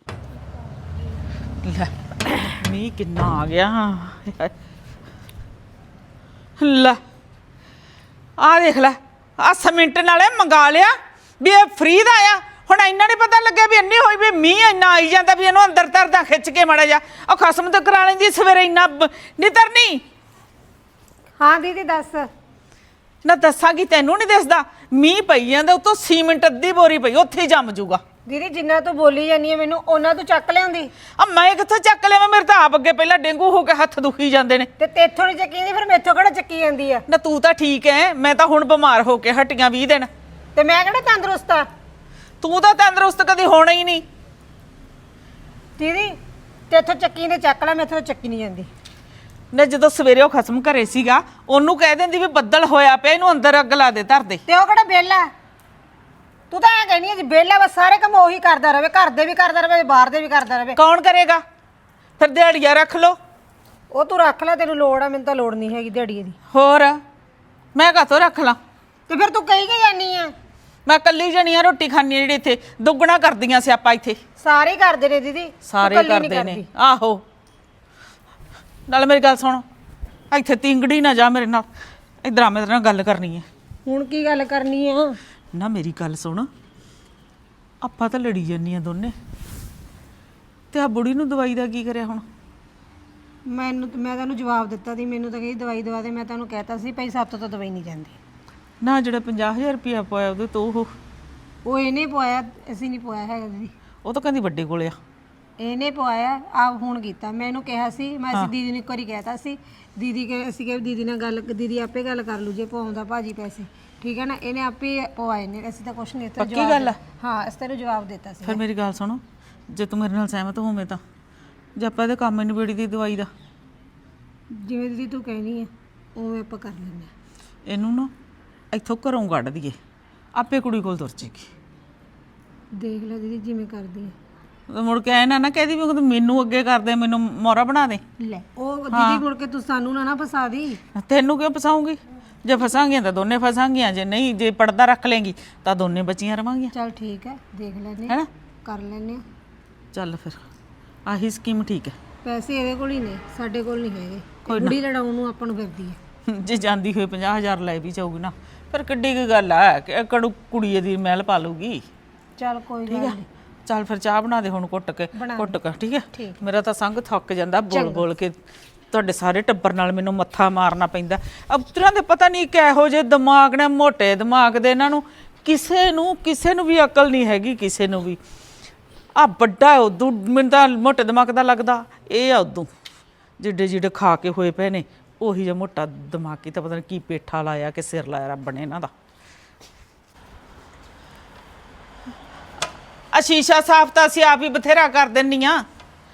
S4: ਲੈ ਮੀਂਹ ਕਿੰਨਾ ਆ ਗਿਆ। ਲੈ ਆ ਦੇਖ ਲੈ, ਆ ਸੀਮਿੰਟ ਨਾਲੇ ਮੰਗਾ ਲਿਆ ਵੀ ਇਹ ਫ੍ਰੀ ਦਾ ਆ। ਹੁਣ ਇੰਨਾ ਨਹੀਂ ਪਤਾ ਲੱਗਿਆ ਵੀ ਇੰਨੀ ਹੋਈ ਵੀ ਮੀਂਹ ਇੰਨਾ ਆਈ ਜਾਂਦਾ ਵੀ ਇਹਨੂੰ ਅੰਦਰ ਤਰਦਾ ਖਿੱਚ ਕੇ ਮੜਾ ਜਾ। ਉਹ ਖਸਮ ਤੇ ਕਰਾ ਲੈਂਦੀ ਸਵੇਰੇ ਇੰਨਾ ਨਹੀਂ ਤਰਨੀ।
S1: ਹਾਂ ਦੀਦੀ ਦੱਸ।
S4: ਨਾ ਦੱਸਾਂਗੀ ਤੈਨੂੰ ਨਹੀਂ ਦਿਸਦਾ, ਮੀਂਹ ਪਈ ਜਾਂਦਾ ਉੱਤੋਂ ਸੀਮਿੰਟ ਅੱਧੀ ਬੋਰੀ ਪਈ ਉੱਥੇ ਹੀ ਜੰਮ ਜੂਗਾ।
S1: ਦੀਦੀ ਜਿੰਨਾ ਤੂੰ ਬੋਲੀ ਜਾਨੀ ਹੈ ਮੈਨੂੰ ਉਹਨਾਂ ਤੋਂ ਚੱਕ ਲਿਆਉਂਦੀ।
S4: ਆ ਮੈਂ ਕਿੱਥੋਂ ਚੱਕ ਲਿਆਵਾਂ, ਮੇਰੇ ਤਾਂ ਆਪ ਅੱਗੇ ਪਹਿਲਾਂ ਡੇਂਗੂ ਹੋ ਕੇ ਹੱਥ ਦੁਖੀ ਜਾਂਦੇ ਨੇ।
S1: ਤੇ ਤੇਥੋਂ ਨਹੀਂ ਚੱਕੀ ਜਾਂਦੀ, ਫਿਰ ਮੈਥੋਂ ਕਿਹੜਾ ਚੱਕੀ ਜਾਂਦੀ ਆ?
S4: ਨਾ ਤੂੰ ਤਾਂ ਠੀਕ ਐ, ਮੈਂ ਤਾਂ ਹੁਣ ਬਿਮਾਰ ਹੋ ਕੇ ਹਟੀਆਂ ਵੀਹ ਦਿਨ।
S1: ਤੇ ਮੈਂ ਕਿਹੜਾ ਤੰਦਰੁਸਤ ਆ?
S4: ਤੂੰ ਤਾਂ ਤੰਦਰੁਸਤ ਕਦੀ ਹੋਣਾ ਹੀ ਨਹੀਂ।
S1: ਦੀਦੀ ਤੇਥੋਂ ਚੱਕੀ ਤੇ ਚੱਕ ਲੈ, ਮੈਥੋਂ ਚੱਕੀ ਨਹੀਂ ਜਾਂਦੀ।
S4: ਨਾ ਜਦੋਂ ਸਵੇਰੇ ਉਹ ਖਸਮ ਘਰੇ ਸੀਗਾ ਉਹਨੂੰ ਕਹਿ ਦਿੰਦੀ ਵੀ ਬੱਦਲ ਹੋਇਆ ਪਿਆ, ਇਹਨੂੰ ਅੰਦਰ ਅੱਗ ਲਾ ਦੇ ਧਰ ਦੇ।
S1: ਤੇ ਉਹ ਕਿਹੜਾ ਵਿਹਲਾ? ਤੂੰ ਤਾਂ ਐ ਕਹਿਨੀ ਹੈ ਜੀ ਵਿਹਲਾ ਬਸ ਸਾਰੇ ਕੰਮ ਉਹੀ ਕਰਦਾ ਰਵੇ, ਘਰ ਦੇ ਵੀ ਕਰਦਾ ਰਵੇ, ਬਾਹਰ ਦੇ ਵੀ ਕਰਦਾ ਰਵੇ।
S4: ਕੌਣ ਕਰੇਗਾ ਫਿਰ? ਦਿਹਾੜੀਆ ਰੱਖ ਲੋ।
S1: ਉਹ ਤੂੰ ਰੱਖ ਲੈ, ਤੈਨੂੰ ਲੋੜ ਆ, ਮੈਨੂੰ ਤਾਂ ਲੋੜ ਨਹੀਂ ਹੈਗੀ ਦਿਹਾੜੀ ਦੀ।
S4: ਹੋਰ ਮੈਂ ਕਾਹਤੋਂ ਰੱਖ ਲਾਂ?
S1: ਤੇ ਫਿਰ ਤੂੰ ਕਹੀ ਕਿ ਜਾਨੀ ਆ?
S4: ਮੈਂ ਕੱਲੀ ਜਣੀ ਆ, ਰੋਟੀ ਖਾਣੀ ਜਿਹੜੀ ਇੱਥੇ ਦੁੱਗਣਾ ਕਰਦੀਆਂ ਸਿਆਪਾ ਇੱਥੇ।
S1: ਸਾਰੇ ਕਰਦੇ ਨੇ ਦੀਦੀ, ਤੂੰ
S4: ਸਾਰੇ
S1: ਇਕੱਲੀ ਨੀ
S4: ਕਰਦੇ ਨੇ।
S1: ਕਰਦੀ।
S4: ਆਹੋ ਨਾਲ ਮੇਰੀ ਗੱਲ ਸੁਣ, ਇੱਥੇ ਤਿੰਗੜੀ ਨਾ ਜਾ ਮੇਰੇ ਨਾਲ, ਇਧਰ ਆ ਮੇਰੇ ਨਾਲ ਗੱਲ ਕਰਨੀ ਹੈ।
S1: ਹੁਣ ਕੀ ਗੱਲ ਕਰਨੀ ਆ?
S4: ਨਾ ਮੇਰੀ ਗੱਲ ਸੁਣ, ਆਪਾਂ ਤਾਂ ਲੜੀ ਜਾਂਦੀਆਂ ਦੋਨੇ, ਤੇ ਆ ਬੁੜੀ ਨੂੰ ਦਵਾਈ ਦਾ ਕੀ ਕਰਿਆ ਹੁਣ?
S1: ਮੈਨੂੰ ਮੈਂ ਤੈਨੂੰ ਜਵਾਬ ਦਿੱਤਾ ਸੀ, ਮੈਨੂੰ ਤਾਂ ਕਹੀ ਦਵਾਈ ਦਵਾ ਦੇ। ਮੈਂ ਤੈਨੂੰ ਕਹਿਤਾ ਸੀ ਭਾਈ ਸਾਤੋਂ ਤਾਂ ਦਵਾਈ ਨਹੀਂ ਜਾਂਦੀ।
S4: ਨਾ ਜਿਹੜਾ ਪੰਜਾਹ ਹਜ਼ਾਰ ਰੁਪਇਆ ਪਾਇਆ ਉਹਦੇ ਤੋਂ ਉਹ
S1: ਉਹ ਇਹਨੇ ਪਵਾਇਆ, ਅਸੀਂ ਨਹੀਂ ਪਵਾਇਆ ਹੈਗਾ ਦੀਦੀ।
S4: ਉਹ ਤਾਂ ਕਹਿੰਦੀ ਵੱਡੇ ਕੋਲੇ ਆ।
S1: ਇਹਨੇ ਪਵਾਇਆ, ਆਪ ਹੁਣ ਕੀਤਾ। ਮੈਂ ਇਹਨੂੰ ਕਿਹਾ ਸੀ, ਮੈਂ ਅਸੀਂ ਦੀਦੀ ਨੂੰ ਇੱਕ ਵਾਰੀ ਕਹਿਤਾ ਸੀ, ਦੀਦੀ ਕੇ ਅਸੀਂ ਕਿ ਦੀਦੀ ਨਾਲ ਗੱਲ, ਦੀਦੀ ਆਪੇ ਗੱਲ ਕਰ ਲੂ ਜੇ ਪਵਾਉਂਦਾ ਭਾਜੀ ਪੈਸੇ, ਠੀਕ ਹੈ ਨਾ। ਇਹਨੇ ਆਪੇ ਪਵਾਏ ਨੇ, ਅਸੀਂ ਤਾਂ ਕੁਛ ਨਹੀਂ ਦਿੱਤਾ।
S4: ਪੱਕੀ ਗੱਲ ਆ?
S1: ਹਾਂ ਅਸੀਂ ਤੈਨੂੰ ਜਵਾਬ ਦਿੱਤਾ ਸੀ।
S4: ਫਿਰ ਮੇਰੀ ਗੱਲ ਸੁਣੋ, ਜੇ ਤੂੰ ਮੇਰੇ ਨਾਲ ਸਹਿਮਤ ਹੋਵੇਂ ਤਾਂ ਜੇ ਆਪਾਂ ਇਹਦੇ ਕੰਮ ਨੂੰ ਬੇੜੀ ਦੀ ਦਵਾਈ ਦਾ
S1: ਜਿਵੇਂ ਦੀਦੀ ਤੂੰ ਕਹਿਣੀ ਹੈ ਉਵੇਂ ਆਪਾਂ ਕਰ ਲੈਂਦੇ ਹਾਂ।
S4: ਇਹਨੂੰ ਨਾ ਇੱਥੋਂ ਘਰੋਂ ਕੱਢ ਦਈਏ, ਆਪੇ ਕੁੜੀ ਕੋਲ ਤੁਰ ਜੇਗੀ।
S1: ਦੇਖ ਲੈ ਦੀਦੀ ਜਿਵੇਂ ਕਰਦੀ ਹੈ।
S4: ਮੁੜ ਕੇ ਐ ਨਾ ਨਾ ਕਹਦੀ ਵੀ ਤੂੰ ਮੈਨੂੰ ਅੱਗੇ ਕਰਦੇ, ਮੈਨੂੰ ਮੋਹਰਾ ਬਣਾ ਦੇ।
S1: ਲੈ ਉਹ ਦੀਦੀ ਮੁੜ ਕੇ ਤੂੰ ਸਾਨੂੰ ਨਾ ਨਾ ਫਸਾ ਦੀ।
S4: ਤੈਨੂੰ ਕਿਉਂ ਫਸਾਉਂਗੀ? ਜੇ ਫਸਾਂਗੀਆਂ ਤਾਂ ਦੋਨੇ ਫਸਾਂਗੀਆਂ, ਜੇ ਨਹੀਂ, ਜੇ ਪਰਦਾ ਰੱਖ ਲੇਂਗੀ ਤਾਂ ਦੋਨੇ ਬਚੀਆਂ ਰਵਾਂਗੀਆਂ।
S1: ਚੱਲ ਠੀਕ ਹੈ, ਦੇਖ ਲੈਨੇ
S4: ਹੈਨਾ?
S1: ਕਰ ਲੈਨੇ ਆ।
S4: ਚੱਲ ਫਿਰ ਆਹੀ ਸਕੀਮ ਠੀਕ ਹੈ।
S1: ਪੈਸੇ ਇਹਦੇ ਕੋਲ ਹੀ ਨੇ, ਸਾਡੇ ਕੋਲ ਨਹੀਂ ਹੈਗੇ। ਕੁੜੀ ਲੜਾਉਣ ਨੂੰ ਆਪਾਂ ਨੂੰ ਫਿਰਦੀ ਹੈ।
S4: ਜੇ ਜਾਂਦੀ ਹੋਏ ਪੰਜਾਹ ਹਜ਼ਾਰ ਲੈ ਵੀ ਜਾਊਗੀ ਨਾ, ਫਿਰ ਕਿੱਡੀ ਕੁ ਗੱਲ ਆ ਕਿ ਕੜੂ ਕੁੜੀ ਦੀ ਮਹਿਲ ਪਾ ਲੂਗੀ।
S1: ਚੱਲ ਕੋਈ ਗੱਲ ਨਹੀਂ।
S4: ਚੱਲ ਫਿਰ ਚਾਹ ਬਣਾ ਦੇ ਹੁਣ ਘੁੱਟ ਕੇ, ਘੁੱਟ ਕੇ, ਠੀਕ ਹੈ? ਮੇਰਾ ਤਾਂ ਸੰਗ ਥੱਕ ਜਾਂਦਾ ਬੋਲ ਬੋਲ ਕੇ, ਤੁਹਾਡੇ ਸਾਰੇ ਟੱਬਰ ਨਾਲ ਮੈਨੂੰ ਮੱਥਾ ਮਾਰਨਾ ਪੈਂਦਾ। ਅਬਤਰਾਂ ਦੇ ਪਤਾ ਨਹੀਂ ਕਿਹੋ ਜਿਹੇ ਦਿਮਾਗ ਨੇ, ਮੋਟੇ ਦਿਮਾਗ ਦੇ ਇਹਨਾਂ ਨੂੰ, ਕਿਸੇ ਨੂੰ ਕਿਸੇ ਨੂੰ ਵੀ ਅਕਲ ਨਹੀਂ ਹੈਗੀ, ਕਿਸੇ ਨੂੰ ਵੀ। ਆ ਵੱਡਾ ਉਦੋਂ ਮੈਨੂੰ ਤਾਂ ਮੋਟੇ ਦਿਮਾਗ ਦਾ ਲੱਗਦਾ, ਇਹ ਆ ਉਦੋਂ ਜਿੱਡੇ ਜਿੱਡੇ ਖਾ ਕੇ ਹੋਏ ਪਏ ਨੇ, ਉਹੀ ਜਿਹਾ ਮੋਟਾ ਦਿਮਾਗੀ ਤਾਂ ਪਤਾ ਨਹੀਂ ਕੀ ਪੇਠਾ ਲਾਇਆ ਕਿ ਸਿਰ ਲਾਇਆ ਰੱਬ ਨੇ ਇਹਨਾਂ ਦਾ। ਆ ਸ਼ੀਸ਼ਾ ਸਾਫ਼ ਤਾਂ ਅਸੀਂ ਆਪ ਹੀ ਬਥੇਰਾ ਕਰ ਦਿੰਨੀਆਂ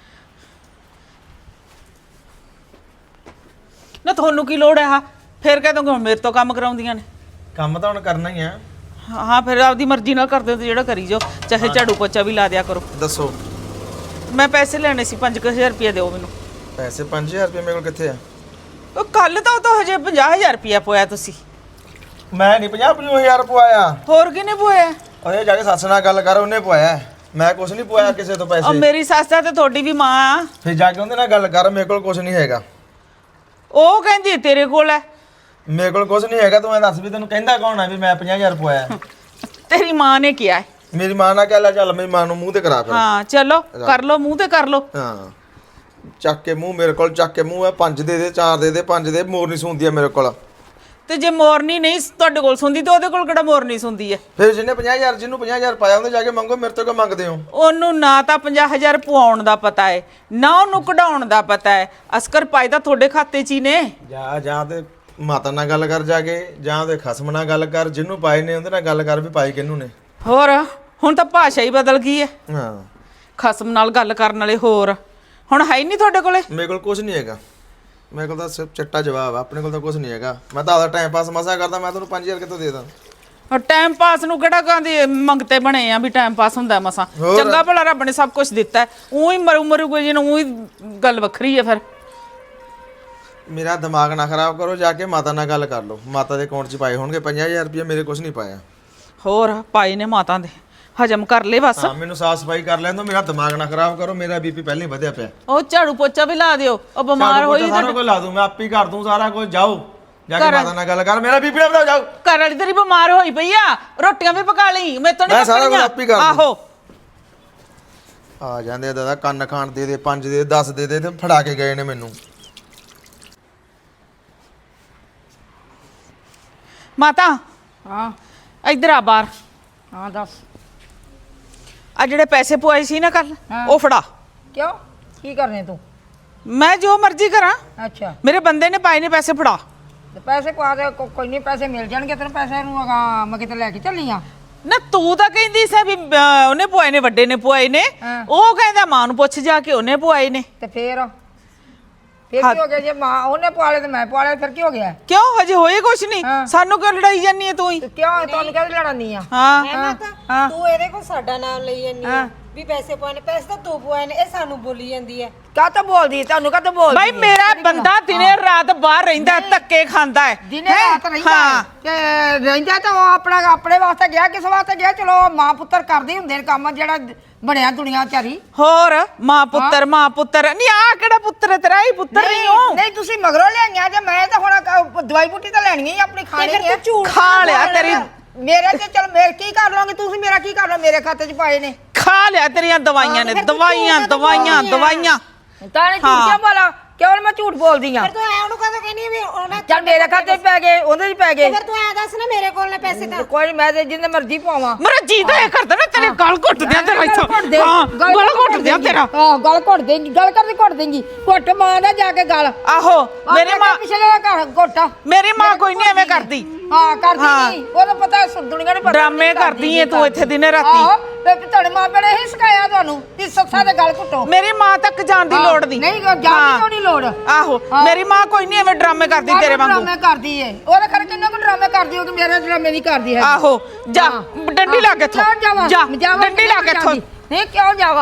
S4: ਨਾ, ਤੁਹਾਨੂੰ ਕੀ ਲੋੜ ਹੈ? ਫਿਰ ਕਹਿ ਦੋਗੇ ਹੁਣ ਮੇਰੇ ਤੋਂ ਕੰਮ ਕਰਾਉਂਦੀਆਂ ਨੇ।
S2: ਕੰਮ ਤਾਂ ਹੁਣ ਕਰਨਾ ਹੀ ਆ।
S4: ਹਾਂ ਫਿਰ ਆਪਦੀ ਮਰਜ਼ੀ ਨਾਲ ਕਰਦੇ ਹੋ, ਜਿਹੜਾ ਕਰੀ ਜਾਓ, ਚਾਹੇ ਝਾੜੂ ਪੋਚਾ ਵੀ ਲਾ ਦਿਆ ਕਰੋ।
S2: ਦੱਸੋ।
S4: ਮੈਂ ਪੈਸੇ ਲੈਣੇ ਸੀ, ਪੰਜ ਕੁ ਹਜ਼ਾਰ ਰੁਪਇਆ ਦਿਓ ਮੈਨੂੰ।
S2: ਪੈਸੇ ਪੰਜ ਹਜ਼ਾਰ ਰੁਪਏ ਮੇਰੇ ਕੋਲ ਕਿੱਥੇ ਆ?
S4: ਉਹ ਕੱਲ ਤਾਂ ਉਹ ਤਾਂ ਹਜੇ ਪੰਜਾਹ ਹਜ਼ਾਰ ਰੁਪਇਆ ਪੋਇਆ ਤੁਸੀਂ।
S2: ਮੈਂ ਨਹੀਂ ਪੰਜਾਹ ਪੰਜਾਹ ਹਜ਼ਾਰ ਪਵਾਇਆ।
S4: ਹੋਰ ਕਿਹਨੇ ਪੋਇਆ?
S2: ਉਹਨੇ ਜਾ ਕੇ ਸੱਸ ਨਾਲ ਗੱਲ ਕਰ, ਉਹਨੇ ਪਵਾਇਆ। ਮੈਂ ਕੁਛ ਨਹੀਂ ਪਵਾਇਆ ਕਿਸੇ ਤੋਂ
S4: ਉਹ
S2: ਪੈਸੇ।
S4: ਮੇਰੀ ਸੱਸ ਦਾ ਤੇ ਤੁਹਾਡੀ ਵੀ ਮਾਂ ਆ।
S2: ਫਿਰ ਜਾ ਕੇ ਉਹਦੇ ਨਾਲ ਗੱਲ ਕਰ, ਮੇਰੇ ਕੋਲ ਕੁਛ ਨਹੀਂ ਹੈਗਾ।
S4: ਉਹ ਕਹਿੰਦੀ ਤੇਰੇ ਕੋਲ ਹੈ।
S2: ਮੇਰੇ ਕੋਲ ਕੁਛ ਨਹੀਂ ਹੈਗਾ। ਤੂੰ ਐਂ ਦੱਸ ਵੀ ਤੈਨੂੰ ਕਹਿੰਦਾ ਕੌਣ ਆ ਵੀ ਮੈਂ ਪੰਜਾਹ ਹਜ਼ਾਰ ਪਵਾਇਆ?
S4: ਤੇਰੀ ਮਾਂ ਨੇ ਕਿਹਾ ਹੈ।
S2: ਮੇਰੀ ਮਾਂ ਨਾਲ ਕਹਿ ਲੈ, ਚੱਲ ਮੇਰੀ ਮਾਂ ਨੂੰ ਮੂੰਹ ਤੇ ਕਰਾ ਫਿਰ।
S4: ਹਾਂ ਚਲੋ ਕਰ ਲੋ, ਮੂੰਹ ਤੇ ਕਰ ਲੋ।
S2: ਹਾਂ ਚੱਕ ਕੇ ਮੂੰਹ ਮੇਰੇ ਕੋਲ, ਚੱਕ ਕੇ ਮੂੰਹ ਹੈ। ਪੰਜ ਦੇ ਦੇ, ਚਾਰ ਦੇ ਦੇ, ਪੰਜ ਦੇ। ਮੋਰ ਨਹੀਂ ਸੁਣਦੀ ਆ ਮੇਰੇ ਕੋਲ।
S4: ਤੇ ਜੇ ਮੋਰਨੀ ਨਹੀਂ ਤੁਹਾਡੇ ਕੋਲ ਸੁਣਦੀ ਤੇ ਉਹਦੇ ਕੋਲ ਕਿਹੜਾ ਮੋਰਨੀ ਸੁਣਦੀ ਹੈ?
S2: ਫਿਰ ਜਿਹਨੇ ਪੰਜਾਹ ਹਜ਼ਾਰ ਜਿਹਨੂੰ ਪੰਜਾਹ ਹਜ਼ਾਰ ਪਾਇਆ ਉਹਨੇ ਜਾ ਕੇ ਮੰਗੋ, ਮੇਰੇ ਤੋਂ ਕਿਉਂ ਮੰਗਦੇ ਹੋ?
S4: ਉਹਨੂੰ ਨਾ ਤਾਂ ਪੰਜਾਹ ਹਜ਼ਾਰ ਪਵਾਉਣ ਦਾ ਪਤਾ ਹੈ, ਨਾ ਉਹਨੂੰ ਕਢਾਉਣ ਦਾ ਪਤਾ ਹੈ। ਅਸਕਰ ਪਾਈ ਤਾਂ ਤੁਹਾਡੇ ਖਾਤੇ 'ਚ ਹੀ ਨੇ।
S2: ਜਾ ਜਾਂ ਤੇ ਮਾਤਾ ਨਾਲ ਗੱਲ ਕਰ ਜਾ ਕੇ, ਜਾਂ ਉਹਦੇ ਖਸਮ ਨਾਲ ਗੱਲ ਕਰ, ਜਿਹਨੂੰ ਪਾਏ ਨੇ ਉਹਦੇ ਨਾਲ ਗੱਲ ਕਰ ਵੀ ਪਾਏ ਕਿਹਨੂੰ ਨੇ।
S4: ਹੋਰ ਹੁਣ ਤਾਂ ਭਾਸ਼ਾ ਹੀ ਬਦਲ ਗਈ ਹੈ।
S2: ਹਾਂ
S4: ਖਸਮ ਨਾਲ ਗੱਲ ਕਰਨ ਵਾਲੇ ਹੋਰ ਹੁਣ ਹੈ ਹੀ ਨਹੀਂ ਤੁਹਾਡੇ ਕੋਲੇ।
S2: ਮੇਰੇ ਕੋਲ ਕੁਝ ਨਹੀਂ ਹੈਗਾ। ਮੇਰੇ ਕੋਲ ਤਾਂ ਸਿਰਫ ਚੱਟਾ ਜਵਾਬ ਆ, ਆਪਣੇ ਕੋਲ ਤਾਂ ਕੁਝ ਨਹੀਂ ਹੈਗਾ। ਮੈਂ ਤਾਂ ਆਦਾ ਟਾਈਮ ਪਾਸ ਮਸਾ ਕਰਦਾ। ਮੈਂ ਤੁਹਾਨੂੰ ਪੰਜ ਹਜ਼ਾਰ ਕਿੱਥੋਂ ਦੇ ਦਾਂ?
S4: ਔਰ ਟਾਈਮ ਪਾਸ ਨੂੰ ਕਿਹੜਾ ਕਹਿੰਦੇ ਮੰਗਤੇ ਬਣੇ ਆ ਵੀ ਟਾਈਮ ਪਾਸ ਹੁੰਦਾ ਮਸਾਂ। ਚੰਗਾ ਭਲਾ ਰੱਬ ਨੇ ਸਭ ਕੁਝ ਦਿੱਤਾ, ਉਹੀ ਮਰੂ ਮਰੂ ਕੋਈ ਜਿਹਨੂੰ ਉਹੀ ਗੱਲ ਵੱਖਰੀ ਹੈ। ਫਿਰ
S2: ਮੇਰਾ ਦਿਮਾਗ ਨਾ ਖਰਾਬ ਕਰੋ, ਜਾ ਕੇ ਮਾਤਾ ਨਾਲ ਗੱਲ ਕਰ ਲਓ। ਮਾਤਾ ਦੇ ਅਕਾਊਂਟ 'ਚ ਪਾਏ ਹੋਣਗੇ ਪੰਜਾਹ ਹਜ਼ਾਰ ਰੁਪਏ, ਮੇਰੇ ਕੁਝ ਨਹੀਂ ਪਾਇਆ।
S4: ਹੋਰ ਪਾਏ ਨੇ ਮਾਤਾ ਦੇ, ਹਜਮ ਕਰ ਲੈ ਬਸ।
S2: ਹਾਂ ਮੈਨੂੰ ਸਾਫ ਸਫਾਈ ਕਰ ਲੈਣ ਦਿਓ, ਮੇਰਾ ਦਿਮਾਗ ਨਾ ਖਰਾਬ ਕਰੋ। ਮੇਰਾ ਬੀਪੀ ਪਹਿਲਾਂ ਹੀ ਵਧਿਆ ਪਿਆ।
S4: ਉਹ ਝਾੜੂ ਪੋਚਾ ਵੀ ਲਾ ਦਿਓ, ਉਹ ਬਿਮਾਰ ਹੋਈ
S2: ਸਾਰਾ ਕੁਝ ਲਾ ਦੂੰ ਮੈਂ, ਆਪੇ ਹੀ ਕਰ ਦੂੰ ਸਾਰਾ ਕੁਝ। ਜਾਓ ਜਾ ਕੇ ਮਾਤਾ ਨਾਲ ਗੱਲ ਕਰ, ਮੇਰਾ ਬੀਪੀ ਨਾ ਵਧਾਓ। ਜਾਓ।
S4: ਘਰ ਵਾਲੀ ਤੇਰੀ ਬਿਮਾਰ ਹੋਈ ਪਈ ਆ, ਰੋਟੀਆਂ ਵੀ ਪਕਾ ਲਈ, ਮੈਂ ਤੋਂ ਨਹੀਂ
S2: ਮੈਂ ਸਾਰਾ ਕੁਝ ਆਪੇ ਹੀ ਕਰ ਦੂੰ।
S4: ਆਹੋ
S2: ਆ ਜਾਂਦੇ ਆ ਦਾਦਾ, ਕੰਨ ਖਾਣ ਦੇ ਦੇ, ਪੰਜ ਦੇ, ਦਸ ਦੇ ਦੇ, ਤੇ ਫੜਾ ਕੇ ਗਏ ਨੇ ਮੈਨੂੰ।
S4: ਮਾਤਾ
S6: ਹਾਂ
S4: ਇੱਧਰ ਆ ਬਾਹਰ।
S6: ਹਾਂ ਦੱਸ।
S4: ਆ ਜਿਹੜੇ ਪੈਸੇ ਪਵਾਏ ਸੀ ਨਾ ਕੱਲ, ਉਹ ਫੜਾ।
S6: ਕਿਉਂ ਕੀ ਕਰਨੇ ਤੂੰ?
S4: ਮੈਂ ਜੋ ਮਰਜ਼ੀ ਕਰਾਂ,
S6: ਅੱਛਾ
S4: ਮੇਰੇ ਬੰਦੇ ਨੇ ਪਾਏ ਨੇ ਪੈਸੇ, ਫੜਾ।
S6: ਤੇ ਪੈਸੇ ਪਾ ਦੇ, ਕੋ- ਕੋਈ ਨਹੀਂ ਪੈਸੇ ਮਿਲ ਜਾਣਗੇ ਤੈਨੂੰ। ਪੈਸੇ ਨੂੰ ਅਗਾ ਮੈਂ ਕਿਤੇ ਲੈ ਕੇ ਚੱਲੀ ਆ।
S4: ਨਾ ਤੂੰ ਤਾਂ ਕਹਿੰਦੀ ਸੀ ਵੀ ਅਹ, ਉਹਨੇ ਪਵਾਏ ਨੇ, ਵੱਡੇ ਨੇ ਪਵਾਏ ਨੇ।
S6: ਹਾਂ।
S4: ਉਹ ਕਹਿੰਦਾ ਮਾਂ ਨੂੰ ਪੁੱਛ ਜਾ ਕੇ ਉਹਨੇ ਪਵਾਏ ਨੇ।
S6: ਤੇ ਫੇਰ ਫੇਰ ਕੀ ਹੋ ਗਿਆ? ਜੇ ਮਾਂ ਉਹਨੇ ਪਵਾਲੇ ਤੇ ਮੈਂ ਪਵਾਲੇ, ਫਿਰ ਕੀ ਹੋ ਗਿਆ?
S4: ਕਿਉਂ ਹਜੇ ਹੋਏ ਕੁਛ ਨਹੀਂ?
S6: ਹਾਂ।
S4: ਸਾਨੂੰ ਕਿਉਂ ਲੜਾਈ ਜਾਨੀ ਹੈ ਤੂੰ ਹੀ?
S6: ਤੇ ਕਿਉਂ ਤੁਹਾਨੂੰ ਕਹਿੰਦੇ ਲੜਾਨੀ ਆ?
S4: ਹਾਂ
S1: ਹੈ ਮਾਤਾ, ਤੂੰ ਇਹਦੇ ਕੋਲ ਸਾਡਾ ਨਾਮ ਲਈ ਜਾਂਦੀ ਆ ਵੀ ਪੈਸੇ ਪਾਉਣੇ। ਪੈਸੇ ਤਾਂ ਤੂੰ ਪਵਾਏ ਨੇ, ਇਹ ਸਾਨੂੰ ਬੋਲੀ ਜਾਂਦੀ ਹੈ।
S6: ਕਾਹ ਤੋਂ ਬੋਲਦੀ? ਤੁਹਾਨੂੰ ਕਾਹ ਤੋਂ ਬੋਲਦੀ?
S4: ਭਾਈ ਮੇਰਾ ਬੰਦਾ ਦਿਨੇ ਰਾਤ ਬਾਹਰ ਰਹਿੰਦਾ ਹੈ, ਧੱਕੇ ਖਾਂਦਾ ਹੈ।
S6: ਦਿਨੇ ਰਾਤ ਰਹਿੰਦਾ ਹੈ। ਤੇ ਰਹਿੰਦਾ ਤਾਂ ਉਹ ਆਪਣਾ ਆਪਣੇ ਵਾਸਤੇ ਗਿਆ, ਕਿਸ ਵਾਸਤੇ ਗਿਆ? ਚਲੋ ਮਾਂ ਪੁੱਤਰ ਕਰਦੇ ਹੁੰਦੇ ਨੇ ਕੰਮ, ਜਿਹੜਾ ਬਣਿਆ ਦੁਨੀਆ ਚਾਰੀ।
S4: ਹੋਰ ਮਾਂ ਪੁੱਤਰ, ਮਾਂ ਪੁੱਤਰ ਨਹੀਂ। ਆ ਕਿਹੜਾ ਪੁੱਤਰ ਹੈ ਤੇਰਾ? ਹੀ ਪੁੱਤਰ ਨਹੀਂ ਹੋ।
S6: ਨਹੀਂ ਤੁਸੀਂ ਮਗਰੋਂ ਲਿਆਈਆਂ ਜੇ, ਮੈਂ ਤਾਂ ਹੁਣ ਕ- ਦਵਾਈ ਬੂਟੀ ਤਾਂ ਲੈਣੀ ਹੀ ਆਪਣੀ, ਖਾਣੀ ਹੈ।
S4: ਖਾ ਲਿਆ ਤੇਰੀ,
S6: ਮੇਰੇ ਤੇ ਚਲ ਮੈਂ ਕੀ ਕਰ ਲਵਾਂਗੀ? ਤੁਸੀਂ ਮੇਰਾ ਕੀ ਕਰ ਲਓ? ਮੇਰੇ ਖਾਤੇ 'ਚ ਪਾਏ ਨੇ।
S4: ਖਾ ਲਿਆ ਤੇਰੀਆਂ ਦਵਾਈਆਂ ਨੇ, ਦਵਾਈਆਂ ਦਵਾਈਆਂ ਦਵਾਈਆਂ।
S6: ਤਾਂ ਨਹੀਂ ਝੂਠ ਕਿਉਂ ਬੋਲਾਂ? ਕਿਉਂ ਮੈਂ ਝੂਠ ਬੋਲਦੀ ਆ?
S1: ਫਿਰ ਤੂੰ ਐ ਉਹਨੂੰ ਕਦੋਂ ਕਹਿੰਦੀ ਵੀ ਉਹਨੇ
S6: ਚੱਲ ਮੇਰੇ ਖਾਤੇ 'ਚ ਪੈ ਗਏ, ਉਹਦੇ 'ਚ ਪੈ ਗਏ।
S1: ਫਿਰ ਤੂੰ ਐ ਦੱਸ ਨਾ ਮੇਰੇ ਕੋਲ ਨੇ ਪੈਸੇ ਤਾਂ।
S6: ਕੋਈ ਨੀ, ਮੈਂ ਤੇ ਜਿੰਨੇ ਮਰਜ਼ੀ ਪਾਵਾਂ।
S4: ਮੇਰਾ ਜੀ ਤਾਂ ਇਹ ਕਰਦਾ ਨਾ ਤੇਰੇ ਗਲ ਘੁੱਟ ਦਿਆਂ ਤੇਰਾ ਇੱਥੋਂ। ਹਾਂ ਗਲ ਘੁੱਟ ਦਿਆਂ ਤੇਰਾ।
S6: ਹਾਂ ਗਲ ਘੁੱਟ ਦੇਂਗੀ, ਗਲ ਕਰਦੀ ਘੁੱਟ ਦੇਂਗੀ। ਘੁੱਟ ਮਾਂ ਦਾ ਜਾ ਕੇ ਗਲ।
S4: ਆਹੋ ਮੇਰੀ ਮਾਂ,
S6: ਪਿਛਲੇ ਦਾ ਘਰ ਘੁੱਟ।
S4: ਮੇਰੀ ਮਾਂ ਕੋਈ ਨਹੀਂ ਐਵੇਂ ਕਰਦੀ।
S6: ਹਾਂ ਕਰਦੀ ਨਹੀਂ, ਉਹਦਾ ਪਤਾ ਦੁਨੀਆ ਨੂੰ ਪਤਾ।
S4: ਡਰਾਮੇ ਕਰਦੀ ਏ ਤੂੰ ਇੱਥੇ ਦਿਨੇ ਰਾਤੀ।
S6: ਆਹੋ ਤੇ ਤੁਹਾਡੇ ਮਾਂ ਪਿਓ ਨੇ ਇਹੀ ਸਿਖਾਇਆ ਤੁਹਾਨੂੰ ਵੀ ਸੱਸਾਂ ਦੇ ਗਲ ਘੁੱਟੋ।
S4: ਮੇਰੀ ਮਾਂ ਤੱਕ ਜਾਣ ਦੀ ਲੋੜ ਨਹੀਂ।
S6: ਨਹੀਂ ਜਾਣ ਦੀ ਕਿਉਂ ਨਹੀਂ ਲੋੜ?
S4: ਆਹੋ ਮੇਰੀ ਮਾਂ ਕੋਈ ਨਹੀਂ ਐਵੇਂ ਡਰਾਮੇ ਕਰਦੀ ਤੇਰੇ ਵਾਂਗੂ।
S6: ਡਰਾਮੇ ਕਰਦੀ ਏ, ਉਹਦੇ ਖਰੇ ਕਿੰਨਾ ਕੁ ਡਰਾਮੇ ਕਰਦੀ, ਉਹ ਕਿ ਮੇਰੇ ਡਰਾਮੇ ਨਹੀਂ ਕਰਦੀ ਹੈ।
S4: ਆਹੋ ਜਾ ਡੰਡੀ ਲਾ ਕੇ ਇੱਥੋਂ।
S6: ਕਿਉਂ ਜਾਵਾਂ?
S4: ਜਾ
S6: ਜਾਵਾਂ
S4: ਡੰਡੀ ਲਾ ਕੇ ਇੱਥੋਂ।
S6: ਨਹੀਂ ਕਿਉਂ ਜਾਵਾਂ?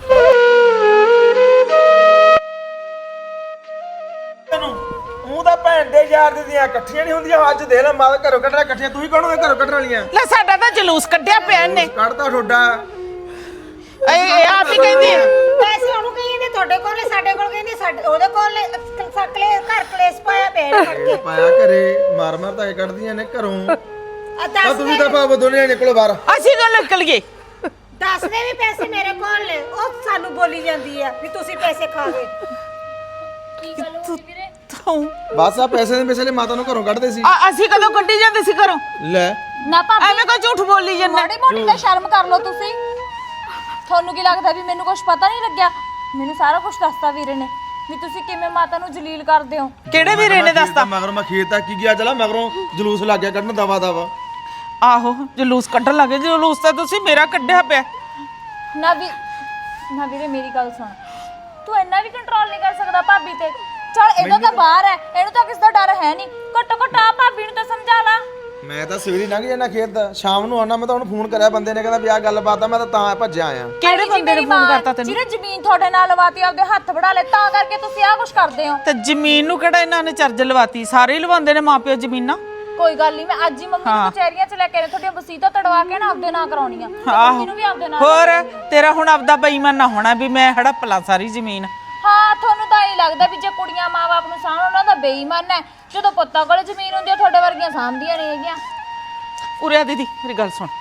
S2: ਉਹ ਤਾਂ ਭੈਣ ਦੇ ਯਾਰ ਦੀ ਦੀਆਂ ਇਕੱਠੀਆਂ ਨਹੀਂ ਹੁੰਦੀਆਂ। ਅੱਜ ਦੇਖ ਲੈ ਮਾਂ ਘਰੋਂ ਕੱਢਣਾ ਇਕੱਠੀਆਂ, ਤੂੰ ਹੀ ਕਹਣੋਗੇ ਘਰੋਂ ਕੱਢਣ ਵਾਲੀਆਂ।
S4: ਲੈ ਸਾਡਾ ਤਾਂ ਜਲੂਸ ਕੱਢਿਆ ਪਿਆ ਇਹਨੇ।
S2: ਕੱਢਦਾ ਠੋਡਾ।
S4: ਇਹ ਆਪ ਹੀ ਕਹਿੰਦੀ ਹੈ।
S1: ਪੈਸੇ ਉਹਨੂੰ ਕਹੀ ਜਾਂਦੇ ਤੁਹਾਡੇ ਕੋਲ ਨੇ, ਸਾਡੇ ਕੋਲ ਕਹਿੰਦੇ ਸਾਡੇ ਉਹਦੇ ਕੋਲ ਨੇ। ਸਕਲੇ ਘਰ ਕਲੇਸ਼ ਪਾਇਆ ਪਿਆ ਨੇ ਫੜ ਕੇ।
S2: ਪਾਇਆ ਘਰੇ ਮਾਰ ਮਾਰ ਤਾਂ ਕੱਢਦੀਆਂ ਨੇ ਘਰੋਂ।
S1: ਆ
S2: ਆ
S1: ਦੱਸ
S2: ਤੂੰ ਵੀ ਤਾਂ ਭਾਵੇਂ ਦੋਨੇ ਨਿਕਲੋ ਬਾਹਰ।
S4: ਅਸੀਂ ਤਾਂ ਨਿਕਲ ਗਏ।
S1: ਦੱਸ ਦੇ ਵੀ ਪੈਸੇ ਮੇਰੇ ਕੋਲ ਨੇ। ਉਹ ਸਾਨੂੰ ਬੋਲੀ ਜਾਂਦੀ ਆ ਵੀ ਤੁਸੀਂ ਪੈਸੇ ਖਾ ਗਏ।
S4: ਤੂੰ
S2: ਬਸ ਆ ਪੈਸੇ ਦੇ ਪੈਸੇ ਮਾਤਾ ਨੂੰ ਘਰੋਂ ਕੱਢਦੇ ਸੀ।
S4: ਆ- ਅਸੀਂ ਕਦੋਂ ਕੱਢੀ ਜਾਂਦੇ ਸੀ ਘਰੋਂ?
S2: ਲੈ
S7: ਨਾ ਭਾਬੀ
S4: ਐਵੇਂ ਕੋਈ ਝੂਠ ਬੋਲੀ ਜਾਂਦਾ।
S7: ਮਾੜੀ ਮੋਟੀ ਤਾਂ ਸ਼ਰਮ ਕਰ ਲਓ ਤੁਸੀਂ। ਤੁਹਾਨੂੰ ਕੀ ਲੱਗਦਾ ਵੀ ਮੈਨੂੰ ਕੁਝ ਪਤਾ ਨਹੀਂ ਲੱਗਿਆ? ਮੈਨੂੰ ਸਾਰਾ ਕੁਝ ਦੱਸਤਾ ਵੀਰੇ ਨੇ ਵੀ ਤੁਸੀਂ ਕਿਵੇਂ ਮਾਤਾ ਨੂੰ ਜਲੀਲ ਕਰਦੇ ਹੋ।
S4: ਕਿਹੜੇ ਵੀਰੇ ਨੇ ਦੱਸਤਾ?
S2: ਮਗਰੋਂ ਮੈਂ ਖੇਤ ਤੱਕ ਕੀ ਗਿਆ ਚਲਾ ਮਗਰੋਂ ਜਲੂਸ ਲੱਗ ਗਿਆ ਕੱਢਣ ਦਵਾ ਦਵਾ।
S4: ਆਹੋ ਜਲੂਸ ਕੱਢਣ ਲੱਗੇ, ਜਲੂਸ ਤਾਂ ਤੁਸੀਂ ਮੇਰਾ ਕੱਢਿਆ ਪਿਆ।
S7: ਨਾ ਵੀ ਨਾ ਵੀਰੇ ਮੇਰੀ ਗੱਲ ਸੁਣ, ਤੂੰ ਇੰਨਾ ਵੀ ਕੰਟਰੋਲ ਨਹੀਂ ਕਰ ਸਕਦਾ ਭਾਬੀ ਤੇ। ਚਲ ਇਹਦਾ ਤਾਂ ਬਾਹਰ ਹੈ, ਇਹਨੂੰ ਤਾਂ ਕਿਸ ਦਾ ਡਰ ਹੈ ਨਹੀਂ। ਘੱਟੋ ਘੱਟ ਆ ਭਾਬੀ ਨੂੰ ਤਾਂ ਸਮਝਾ ਲਾ।
S2: ਮੈਂ ਤਾਂ ਸਵੇਰੇ ਲੰਘ ਜਾਣਾ ਖੇਤ, ਸ਼ਾਮ ਨੂੰ ਆਉਣਾ। ਮੈਂ ਤਾਂ ਹੁਣ ਫੋਨ ਕਰਿਆ ਬੰਦੇ ਨੇ, ਕਹਿੰਦਾ ਵੀ ਆਹ ਗੱਲਬਾਤ ਆ, ਮੈਂ ਤਾਂ ਤਾਂ ਭੱਜਿਆ ਆਇਆ।
S4: ਕਿਹੜੇ ਬੰਦੇ ਨੇ ਫੋਨ ਕਰਤਾ ਤੈਨੂੰ?
S7: ਜਿਹਨੇ ਜ਼ਮੀਨ ਤੁਹਾਡੇ ਨਾਲ ਲਵਾਤੀ, ਆਪਦੇ ਹੱਥ ਵੜਾ ਲੈ, ਤਾਂ ਕਰਕੇ ਤੁਸੀਂ ਆਹ ਕੁਝ ਕਰਦੇ ਹੋ।
S4: ਤੇ ਜ਼ਮੀਨ ਨੂੰ ਕਿਹੜਾ ਇਹਨਾਂ ਨੇ ਚਰਜ ਲਵਾਤੀ? ਸਾਰੇ ਹੀ ਲਵਾਉਂਦੇ ਨੇ ਮਾਪਿਓ ਜ਼ਮੀਨਾਂ।
S7: ਕੋਈ ਗੱਲ ਨਹੀਂ, ਮੈਂ ਅੱਜ ਹੀ ਮੰਮੀ ਨੂੰ ਕਚਹਿਰੀਆਂ 'ਚ ਲੈ ਕੇ ਤੁਹਾਡੀਆਂ ਵਸੀਤਾਂ ਤੜਵਾ ਕੇ ਨਾ ਆਪਦੇ ਨਾਂ ਕਰਾਉਣੀਆਂ। ਮੰਮੀ ਨੂੰ ਵੀ ਆਪਦੇ ਨਾਂ।
S4: ਹੋਰ ਤੇਰਾ ਹੁਣ ਆਪਦਾ ਬੇਈਮਾਨ ਨਾ ਹੋਣਾ ਵੀ ਮੈਂ ਹੜੱਪ ਲਾਂ ਸਾਰੀ ਜ਼ਮੀਨ।
S7: ਹਾਂ ਤੁਹਾਨੂੰ ਤਾਂ ਇਹ ਲੱਗਦਾ ਵੀ ਜੇ ਕੁੜੀਆਂ ਮਾਂ-ਬਾਪ ਨੂੰ ਸਾਂਭਣ, ਉਹਨਾਂ ਦਾ ਬੇਈਮਾਨ ਹੈ। ਜਦੋਂ ਪੁੱਤਾਂ ਕੋਲ ਜ਼ਮੀਨ ਹੁੰਦੀ ਹੈ, ਤੁਹਾਡੇ ਵਰਗੀਆਂ ਸਾਂਭਦੀਆਂ ਨਹੀਂ ਹੈਗੀਆਂ।
S4: ਉਰੇ ਆ ਦੀਦੀ ਮੇਰੀ ਗੱਲ ਸੁਣ,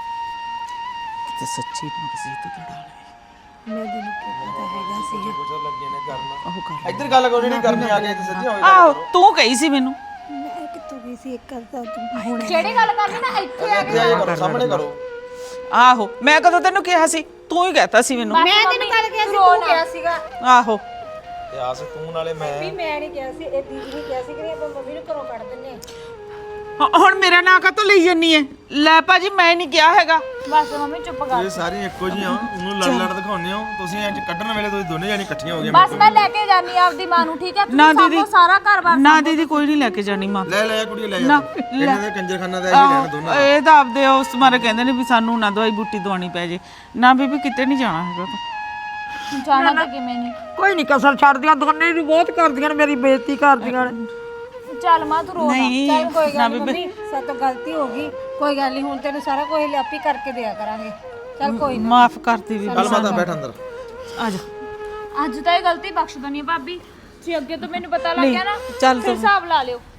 S4: ਤੇ ਸੱਚੀ ਨੂੰ ਕਿਸੇ ਤੋਂ ਤੜਾ ਲੈ।
S1: ਮੈਂ ਦਿਨ ਪਤਾ ਹੈਗਾ ਸੀ।
S2: ਕੁਝ ਲੱਗੇ ਨੇ ਕਰਨਾ।
S4: ਉਹ ਕਰ
S2: ਇੱਧਰ ਗੱਲ ਕੋਈ ਨਹੀਂ ਕਰਨੀ, ਆ ਗਏ ਤੇ ਸੱਚੀ ਹੋਏ।
S4: ਆਹੋ ਤੂੰ ਕਹੀ ਸੀ ਮੈਨੂੰ।
S1: ਮੈਂ ਕਿੱਥੋਂ ਗਈ ਸੀ? ਇੱਕ ਗੱਲ ਤਾਂ ਤੂੰ ਹੁਣ
S7: ਜਿਹੜੀ ਗੱਲ ਕਰਨੀ ਨਾ ਇੱਥੇ ਆ
S2: ਇੱਥੇ ਆਏ ਕਰੋ, ਸਾਹਮਣੇ ਕਰੋ।
S4: ਆਹੋ ਮੈਂ ਕਦੋਂ ਤੈਨੂੰ ਕਿਹਾ ਸੀ? ਤੂੰ ਹੀ ਕਹਿਤਾ ਸੀ ਮੈਨੂੰ।
S1: ਮੈਂ ਤੈਨੂੰ ਕੱਲ ਕਿਹਾ ਸੀ, ਤੂੰ ਕਿਹਾ ਸੀਗਾ
S4: ਆਹੋ
S2: ਤੇ ਆਸ ਤੂੰ ਨਾਲੇ ਮੈਂ
S1: ਵੀ ਮੈਂ ਨਹੀਂ ਕਿਹਾ ਸੀ, ਇਹ ਦੀਦੀ ਨੇ ਕਿਹਾ ਸੀ ਕਿ ਆਪਾਂ ਮੰਮੀ ਨੂੰ ਘਰੋਂ ਕੱਢ ਦਿੰਨੇ ਆ।
S4: ਹ- ਹੁਣ ਮੇਰਾ ਨਾਂ ਕਾਹਤੋਂ ਲਈ ਜੰਨੀ ਹੈ? ਲੈ ਭਾਜੀ ਮੈਂ ਨਹੀਂ ਕਿਹਾ ਹੈਗਾ।
S7: ਬਸ ਮੰਮੀ ਚੁੱਪ ਕਰ।
S2: ਇਹ ਸਾਰੀਆਂ ਇੱਕੋ ਜਿਹੀਆਂ, ਉਹਨੂੰ ਲੜ ਲੜ ਦਿਖਾਉਂਦੇ ਹੋ ਤੁਸੀਂ। ਅੱਜ ਕੱਢਣ ਵੇਲੇ ਤੁਸੀਂ ਦੋਨੇ ਜਾਨੀ ਇਕੱਠੀਆਂ ਹੋ ਗਈਆਂ।
S7: ਬਸ ਮੈਂ ਲੈ ਕੇ ਜਾਨੀ ਆਪਦੀ ਮਾਂ ਨੂੰ, ਠੀਕ ਹੈ?
S4: ਨਾ
S7: ਤੁਸੀਂ
S4: ਦੀਦੀ
S7: ਸਾਂਭੋ ਸਾਰਾ ਘਰ-ਬਾਰ।
S4: ਨਾ ਦੀਦੀ ਕੋਈ ਨਹੀਂ ਲੈ ਕੇ ਜਾਣੀ ਮਾਂ।
S2: ਲੈ ਲੈ ਕੁੜੀ ਲੈ ਜਾ ਤੂੰ। ਇਹਨਾਂ ਦੇ ਕੰਜਰਖਾਨਾ ਦਾ ਇਹੀ ਲੈਣਾ ਦੋਨਾਂ ਦਾ।
S4: ਇਹ ਤਾਂ ਆਪਦੇ ਉਸ ਮਾਰੇ ਕਹਿੰਦੇ ਨੇ ਵੀ ਸਾਨੂੰ ਨਾ ਦਵਾਈ ਬੂਟੀ ਦਵਾਉਣੀ ਪੈ ਜੇ। ਨਾ ਬੀਬੀ ਕਿਤੇ ਨਹੀਂ ਜਾਣਾ ਹੈਗਾ ਤੂੰ।
S7: ਜਾਣਾ ਤਾਂ ਕਿਵੇਂ ਨਹੀਂ।
S6: ਕੋਈ ਨਹੀਂ ਕਸਰ ਛੱਡਦੀਆਂ, ਦੋਨੇ ਵੀ ਬਹੁਤ ਕਰਦੀਆਂ ਨੇ, ਮੇਰੀ ਬੇਇੱਜ਼ਤੀ ਕਰਦੀਆਂ ਨੇ।
S7: ਚੱਲ ਮਾਂ ਤੂੰ ਰੋ ਨਾ।
S4: ਨਹੀਂ
S1: ਚੱਲ ਕੋਈ ਗੱਲ ਨਹੀਂ ਮੰਮੀ, ਸਾਡੇ ਤੋਂ ਗਲਤੀ ਹੋ ਗਈ, ਕੋਈ ਗੱਲ ਨਹੀਂ। ਹੁਣ ਤੈਨੂੰ ਸਾਰਾ ਕੁਝ ਲਿਆਪੀ ਕਰਕੇ ਦਿਆ ਕਰਾਂਗੇ। ਚੱਲ ਕੋਈ ਨਾ।
S4: ਮਾਫ ਕਰਤੀ ਵੀ।
S2: ਚੱਲ ਮਾਤਾ ਬੈਠ ਅੰਦਰ।
S4: ਆ ਜਾ
S7: ਅੱਜ ਤਾਂ ਇਹ ਗਲਤੀ ਬਖਸ਼ ਦਨੀ ਭਾਬੀ। ਜੇ ਅੱਗੇ ਤੋਂ ਮੈਨੂੰ ਪਤਾ ਲੱਗ ਗਿਆ ਨਾ,
S4: ਚੱਲ
S7: ਫਿਰ ਹਿਸਾਬ ਲਾ ਲਿਓ।